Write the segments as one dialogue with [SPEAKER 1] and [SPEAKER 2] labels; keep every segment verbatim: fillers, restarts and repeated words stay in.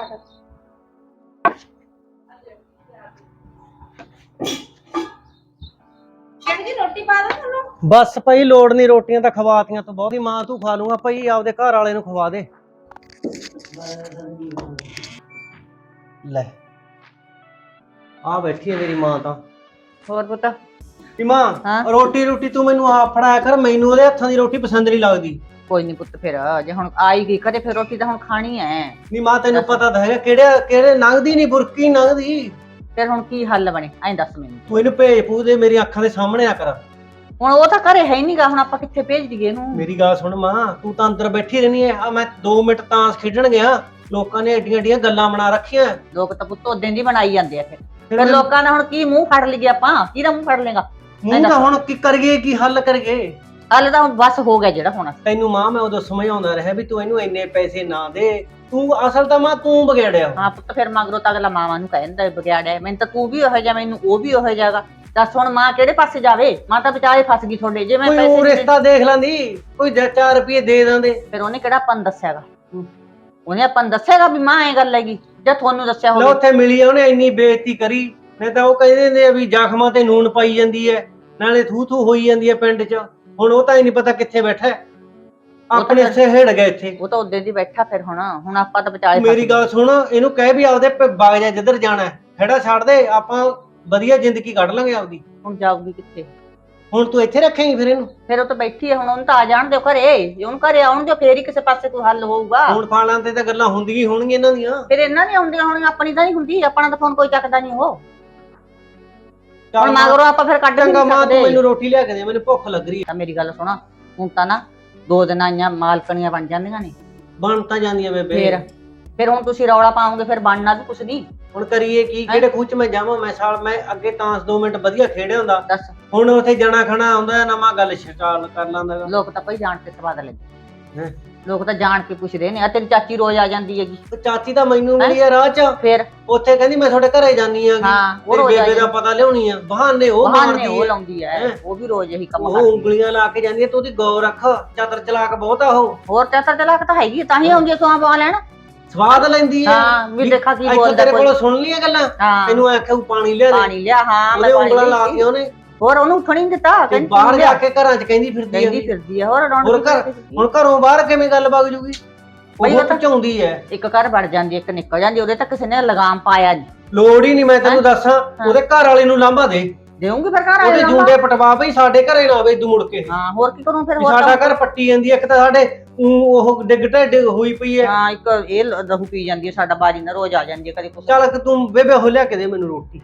[SPEAKER 1] ਫਿਰ। ਜਿਹੜੀ ਜੀ ਰੋਟੀ ਪਾ ਦਾਂ ਤੁਹਾਨੂੰ?
[SPEAKER 2] ਬਸ ਭਾਈ ਲੋੜ ਨਹੀਂ, ਰੋਟੀਆਂ ਤਾਂ ਖਵਾਤੀਆਂ ਤੋਂ ਬਹੁਤੀ ਮਾਂ ਤੂੰ ਖਾ ਲੂੰਗਾ ਭਾਈ, ਆਪਦੇ ਘਰ ਵਾਲੇ ਨੂੰ ਖਵਾ ਦੇ। ਲੈ ਆ ਬੈਠੀ ਹੈ ਮੇਰੀ ਮਾਂ ਤਾਂ।
[SPEAKER 1] ਹੋਰ ਪੁੱਤ?
[SPEAKER 2] ਵੀ ਮਾਂ ਰੋਟੀ ਰੋਟੀ ਤੂੰ ਮੈਨੂੰ ਆਪ ਫੜਾਇਆ ਕਰ, ਮੈਨੂੰ ਉਹਦੇ ਹੱਥਾਂ ਦੀ ਰੋਟੀ ਪਸੰਦ ਨਹੀਂ ਲੱਗਦੀ।
[SPEAKER 1] ਕੋਈ ਨਹੀਂ ਪੁੱਤ, ਫਿਰ ਜੇ ਹੁਣ ਆਈ ਗਈ ਕਦੇ ਫਿਰ ਰੋਟੀ ਤਾਂ ਹੁਣ ਖਾਣੀ ਐ।
[SPEAKER 2] ਨਹੀਂ ਮਾਂ ਤੈਨੂੰ ਪਤਾ ਤਾਂ ਹੈਗਾ ਕਿਹੜੇ ਕਿਹੜੇ ਲੰਘਦੀ ਨਹੀਂ, ਬੁਰਕੀ ਲੰਘਦੀ।
[SPEAKER 1] ਫਿਰ ਹੁਣ ਕੀ ਹੱਲ ਬਣੇ ਐਂ ਦੱਸ ਮੈਨੂੰ।
[SPEAKER 2] ਤੂੰ ਇਹਨੂੰ ਭੇਜ ਪੂ ਦੇ, ਮੇਰੀ ਅੱਖਾਂ ਦੇ ਸਾਹਮਣੇ ਆ ਕਰ।
[SPEAKER 1] ਹੁਣ ਉਹ ਤਾਂ ਘਰੇ ਹੈ ਹੀ ਨਹੀਂਗਾ, ਹੁਣ ਆਪਾਂ ਕਿੱਥੇ ਭੇਜ ਦਈਏ ਇਹਨੂੰ?
[SPEAKER 2] ਮੇਰੀ ਗੱਲ ਸੁਣ ਮਾਂ, ਤੂੰ ਤਾਂ ਅੰਦਰ ਬੈਠੀ ਰਹਿਣੀ ਐ। ਆ ਮੈਂ ਦੋ ਮਿੰਟ ਤਾਂਸ ਖੇਡਣ ਗਿਆ, ਲੋਕਾਂ ਨੇ ਏਡੀਆਂ ਏਡੀਆਂ ਗੱਲਾਂ ਬਣਾ ਰੱਖੀਆਂ।
[SPEAKER 1] ਲੋਕ ਤਾਂ ਪੁੱਤ ਉਦੋਂ ਦੀ ਬਣਾਈ ਜਾਂਦੇ ਆ। ਫਿਰ ਫਿਰ ਲੋਕਾਂ ਨੇ ਹੁਣ ਕੀ ਮੂੰਹ ਫੜ ਲਈਏ ਆਪਾਂ? ਕਿਹਦਾ ਮੂੰਹ ਫੜ ਲੇਗਾ?
[SPEAKER 2] ਮੂੰਹ ਤਾਂ ਹੁਣ ਕੀ ਕਰੀਏ, ਕੀ ਹੱਲ ਕਰੀਏ?
[SPEAKER 1] ਹੱਲ ਤਾਂ ਹੁਣ ਬਸ ਹੋ ਗਿਆ ਜਿਹੜਾ ਹੋਣਾ।
[SPEAKER 2] ਤੈਨੂੰ ਮਾਂ ਮੈਂ ਉਦੋਂ ਸਮਝਾਉਂਦਾ ਰਿਹਾ ਵੀ ਤੂੰ ਇਹਨੂੰ ਇੰਨੇ ਪੈਸੇ ਨਾ ਦੇ, ਤੂੰ ਅਸਲ ਤਾਂ ਮਾਂ ਤੂੰ ਵਿਗੜਿਆ।
[SPEAKER 1] ਹਾਂ ਪੁੱਤ, ਫਿਰ ਮਗਰੋਂ ਤਾਂ ਅਗਲਾ ਮਾਵਾਂ ਨੂੰ ਕਹਿੰਦਾ ਵਿਗਿਆੜਿਆ। ਮੈਨੂੰ ਤਾਂ ਤੂੰ ਵੀ ਉਹੋ ਜਿਹਾ, ਮੈਨੂੰ ਉਹ ਵੀ ਉਹੋ ਜਿਹਾਗਾ। ਦੱਸ ਹੁਣ ਮਾਂ ਕਿਹੜੇ ਪਾਸੇ ਜਾਵੇ? ਮਾਂ ਤਾਂ ਵਿਚਾਰੇ ਫਸ ਗਈ ਤੁਹਾਡੇ। ਜੇ ਮੈਂ
[SPEAKER 2] ਪੈਸੇ ਰਿਸ਼ਤਾ ਦੇਖ ਲੈਂਦੀ, ਕੋਈ ਚਾਰ ਰੁਪਏ ਦੇ ਦਿੰਦੇ।
[SPEAKER 1] ਫਿਰ ਉਹਨੇ ਕਿਹੜਾ ਆਪਾਂ ਨੂੰ ਦੱਸਿਆਗਾ? ਉਹਨੇ ਆਪਾਂ ਨੂੰ ਦੱਸਿਆਗਾ ਵੀ ਮਾਂ ਐ ਗੱਲ ਹੈਗੀ? ਜੇ ਤੁਹਾਨੂੰ ਦੱਸਿਆ ਹੋਵੇ।
[SPEAKER 2] ਉੱਥੇ ਮਿਲੀ ਉਹਨੇ ਇੰਨੀ ਬੇਇੱਜ਼ਤੀ ਕਰੀ, ਨਹੀਂ ਤਾਂ ਉਹ ਕਹਿੰਦੇ ਨੇ ਵੀ ਜ਼ਖਮਾਂ ਤੇ ਨੂਨ ਪਾਈ ਜਾਂਦੀ ਹੈ, ਨਾਲੇ ਥੂ ਥੂ ਹੋਈ ਜਾਂਦੀ ਹੈ ਪਿੰਡ 'ਚ। ਹੁਣ ਉਹ ਤਾਂ ਹੀ ਨਹੀਂ ਪਤਾ ਕਿੱਥੇ ਬੈਠਾ, ਆਪਣੇ ਇੱਥੇ ਹਿੜ ਗਿਆ ਇੱਥੇ।
[SPEAKER 1] ਉਹ ਤਾਂ ਉਦੋਂ ਦੀ ਬੈਠਾ। ਫਿਰ ਹੁਣ ਹੁਣ ਆਪਾਂ ਤਾਂ ਵਿਚਾਰੇ।
[SPEAKER 2] ਮੇਰੀ ਗੱਲ ਸੁਣ, ਇਹਨੂੰ ਕਹਿ ਵੀ ਆਪਦੇ ਬਾਗ ਜਾ ਜਿੱਧਰ ਜਾਣਾ, ਖੜਾ ਛੱਡ ਦੇ, ਆਪਾਂ ਵਧੀਆ ਜ਼ਿੰਦਗੀ ਕੱਢ ਲਾਂਗੇ ਆਪਦੀ।
[SPEAKER 1] ਹੁਣ ਜਾਊਗੀ ਕਿੱਥੇ?
[SPEAKER 2] ਹੁਣ ਤੂੰ ਇੱਥੇ ਰੱਖੇਂਗੀ ਫਿਰ ਇਹਨੂੰ?
[SPEAKER 1] ਫਿਰ ਉਹ ਤਾਂ ਬੈਠੀ ਹੈ, ਹੁਣ ਉਹਨੂੰ ਤਾਂ ਆ ਜਾਣ ਦਿਓ ਘਰੇ। ਉਹਨੂੰ ਘਰੇ ਆਉਣ ਦਿਓ, ਫੇਰ ਹੀ ਕਿਸੇ ਪਾਸੇ ਕੋਈ ਹੱਲ ਹੋਊਗਾ।
[SPEAKER 2] ਹੁਣ ਫਾਲਾਂ ਤੇ ਤਾਂ ਗੱਲਾਂ ਹੁੰਦੀਆਂ ਹੀ ਹੋਣਗੀਆਂ ਇਹਨਾਂ ਦੀਆਂ।
[SPEAKER 1] ਫਿਰ ਇਹਨਾਂ ਦੀਆਂ ਹੁੰਦੀਆਂ ਹੋਣਗੀਆਂ, ਆਪਣੀ ਤਾਂ ਨਹੀਂ ਹੁੰਦੀ। ਆਪਣਾ ਤਾਂ ਫੋਨ ਕੋਈ ਚੱਕਦਾ ਨਹੀਂ। ਉਹ ਹੁਣ ਮਗਰੋਂ ਆਪਾਂ ਫਿਰ ਕੱਢ ਨਹੀਂ ਸਕਦੇ।
[SPEAKER 2] ਮੈਨੂੰ ਰੋਟੀ ਲਿਆ ਕੇ ਦੇ, ਮੈਨੂੰ ਭੁੱਖ ਲੱਗ ਰਹੀ ਹੈ।
[SPEAKER 1] ਮੇਰੀ ਗੱਲ ਸੁਣਾ, ਹੁਣ ਤਾਂ ਨਾ ਦੋ ਦਿਨ ਆਈਆਂ ਮਾਲਕਣੀਆਂ ਬਣ ਜਾਂਦੀਆਂ ਨੇ।
[SPEAKER 2] ਬਣ ਤਾਂ ਜਾਂਦੀਆਂ ਬੇਬੇ।
[SPEAKER 1] ਫਿਰ ਫਿਰ ਹੁਣ ਤੁਸੀਂ ਰੌਲਾ ਪਾਓਗੇ, ਫਿਰ ਬਣਨਾ ਵੀ ਕੁਛ ਨਹੀਂ।
[SPEAKER 2] ਹੁਣ ਕਰੀਏ ਕੀ? ਕਿਹੜੇ ਖੂਚ ਮੈਂ ਜਾਵਾਂ? ਮੈਂ ਸਾਲ ਮੈਂ ਅੱਗੇ ਤਾਂ ਦੋ ਮਿੰਟ ਵਧੀਆ ਖੇਡਿਆ ਹੁੰਦਾ।
[SPEAKER 1] ਦੱਸ
[SPEAKER 2] ਹੁਣ ਉੱਥੇ ਜਣਾ ਖਣਾ ਆਉਂਦਾ, ਨਵਾਂ ਗੱਲ ਸ਼ਿਕਾਲ ਕਰ ਲਾਂਦਾ।
[SPEAKER 1] ਲੋਕ ਤਾਂ ਭਾਈ ਜਾਣ ਕੇ ਸਵਾਦ ਲੈਂਦੇ।
[SPEAKER 2] ਹੈ
[SPEAKER 1] ਲੋਕ ਤਾਂ ਜਾਣ ਕੇ ਪੁੱਛਦੇ ਨੇ। ਆ ਤੇਰੀ ਚਾਚੀ ਰੋਜ਼ ਆ ਜਾਂਦੀ ਹੈਗੀ।
[SPEAKER 2] ਚਾਚੀ ਤਾਂ ਮੈਨੂੰ ਮਿਲੀ ਆ ਰਾਹ 'ਚ,
[SPEAKER 1] ਫਿਰ
[SPEAKER 2] ਉੱਥੇ ਕਹਿੰਦੀ ਮੈਂ ਤੁਹਾਡੇ ਘਰੇ ਜਾਨੀ ਆਂਗੀ।
[SPEAKER 1] ਹਾਂ, ਉਹ
[SPEAKER 2] ਰੋਜ਼ ਬੇਬੇ ਦਾ ਪਤਾ ਲਿਆਉਣੀ ਆ। ਬਹਾਨੇ ਉਹ ਮਾਰਦੀ,
[SPEAKER 1] ਉਹ ਲਾਉਂਦੀ ਐ। ਉਹ ਵੀ ਰੋਜ਼ ਇਹੀ ਕੰਮ
[SPEAKER 2] ਕਰਦੀ। ਉਹ ਉਂਗਲੀਆਂ ਲਾ ਕੇ ਜਾਂਦੀ ਆ। ਤੂੰ ਉਹਦੀ ਗੌਰ ਰੱਖ, ਚਤਰ ਚਲਾਕ ਬਹੁਤ ਆ ਉਹ।
[SPEAKER 1] ਹੋਰ ਚਾਤਰ ਚਲਾਕ ਤਾਂ ਹੈਗੀ, ਤਾਂ ਹੀ ਆਉਂਦੀ ਸੋਹਾਂ ਪਾ ਲੈਣ।
[SPEAKER 2] ਸਵਾਦ ਲੈਂਦੀ ਆ।
[SPEAKER 1] ਹਾਂ ਵੀ ਦੇਖਾ ਕੀ ਬੋਲਦਾ।
[SPEAKER 2] ਤੇਰੇ ਕੋਲੋਂ ਸੁਣ ਲੀਆਂ ਗੱਲਾਂ? ਤੈਨੂੰ ਆਖਿਆ ਪਾਣੀ ਲਿਆ ਦੇ,
[SPEAKER 1] ਪਾਣੀ ਲਿਆ। ਹਾਂ
[SPEAKER 2] ਉਹਦੇ ਉਂਗਲਾਂ ਲਾਤੀਆਂ ਉਹਨੇ।
[SPEAKER 1] ਹੋਰ ਉਹਨੂੰ ਉੱਠਣ ਨਹੀਂ ਦਿੱਤਾ।
[SPEAKER 2] ਕਹਿੰਦੀ ਬਾਹਰ ਜਾ ਕੇ ਘਰਾਂ 'ਚ ਕਹਿੰਦੀ ਫਿਰਦੀ ਆ
[SPEAKER 1] ਫਿਰਦੀ ਆ। ਹੋਰ
[SPEAKER 2] ਹੁਣ ਘਰ ਹੁਣ ਘਰੋਂ ਬਾਹਰ ਕਿਵੇਂ ਗੱਲ ਵਗ ਜੂਗੀ? ਉਹ ਪਚਾਉਂਦੀ ਐ।
[SPEAKER 1] ਇੱਕ ਘਰ ਵੜ ਜਾਂਦੀ, ਇੱਕ ਨਿਕਲ ਜਾਂਦੀ। ਉਹਦੇ ਤਾਂ ਕਿਸੇ ਨੇ ਲਗਾਮ ਪਾਇਆ ਨਹੀਂ।
[SPEAKER 2] ਲੋੜ ਹੀ ਨਹੀਂ। ਮੈਂ ਤੈਨੂੰ ਦੱਸਾਂ, ਉਹਦੇ ਘਰ ਵਾਲੇ ਨੂੰ ਲਾਂਭਾ ਦੇ।
[SPEAKER 1] ਦੇਉਂਗੀ ਫਿਰ ਘਰ ਵਾਲੇ
[SPEAKER 2] ਉਹਦੇ ਜੁੰਡੇ ਪਟਵਾ ਬਈ, ਸਾਡੇ ਘਰੇ ਨਾ ਆਵੇ ਤੂੰ ਮੁੜ ਕੇ।
[SPEAKER 1] ਹਾਂ ਹੋਰ ਕੀ ਕਰੂੰ ਫਿਰ? ਹੋਰ
[SPEAKER 2] ਸਾਡਾ ਘਰ ਪੱਟੀ ਜਾਂਦੀ ਐ। ਇੱਕ ਤਾਂ ਸਾਡੇ ਉਹ ਡਿੱਗ ਢਿੱਡ ਹੋਈ ਪਈ ਐ।
[SPEAKER 1] ਹਾਂ ਇੱਕ ਇਹ ਲਹੂ ਪੀ ਜਾਂਦੀ ਐ। ਸਾਡਾ ਬਾਜੀ ਨਾ ਰੋਜ਼ ਆ ਜਾਂਦੀ ਐ ਕਦੇ ਕੁਛ।
[SPEAKER 2] ਚੱਲ ਤੂੰ ਬੇਬੇ ਹੋ ਲਿਆ ਕੇ ਦੇ ਮੈਨੂੰ ਰੋਟੀ।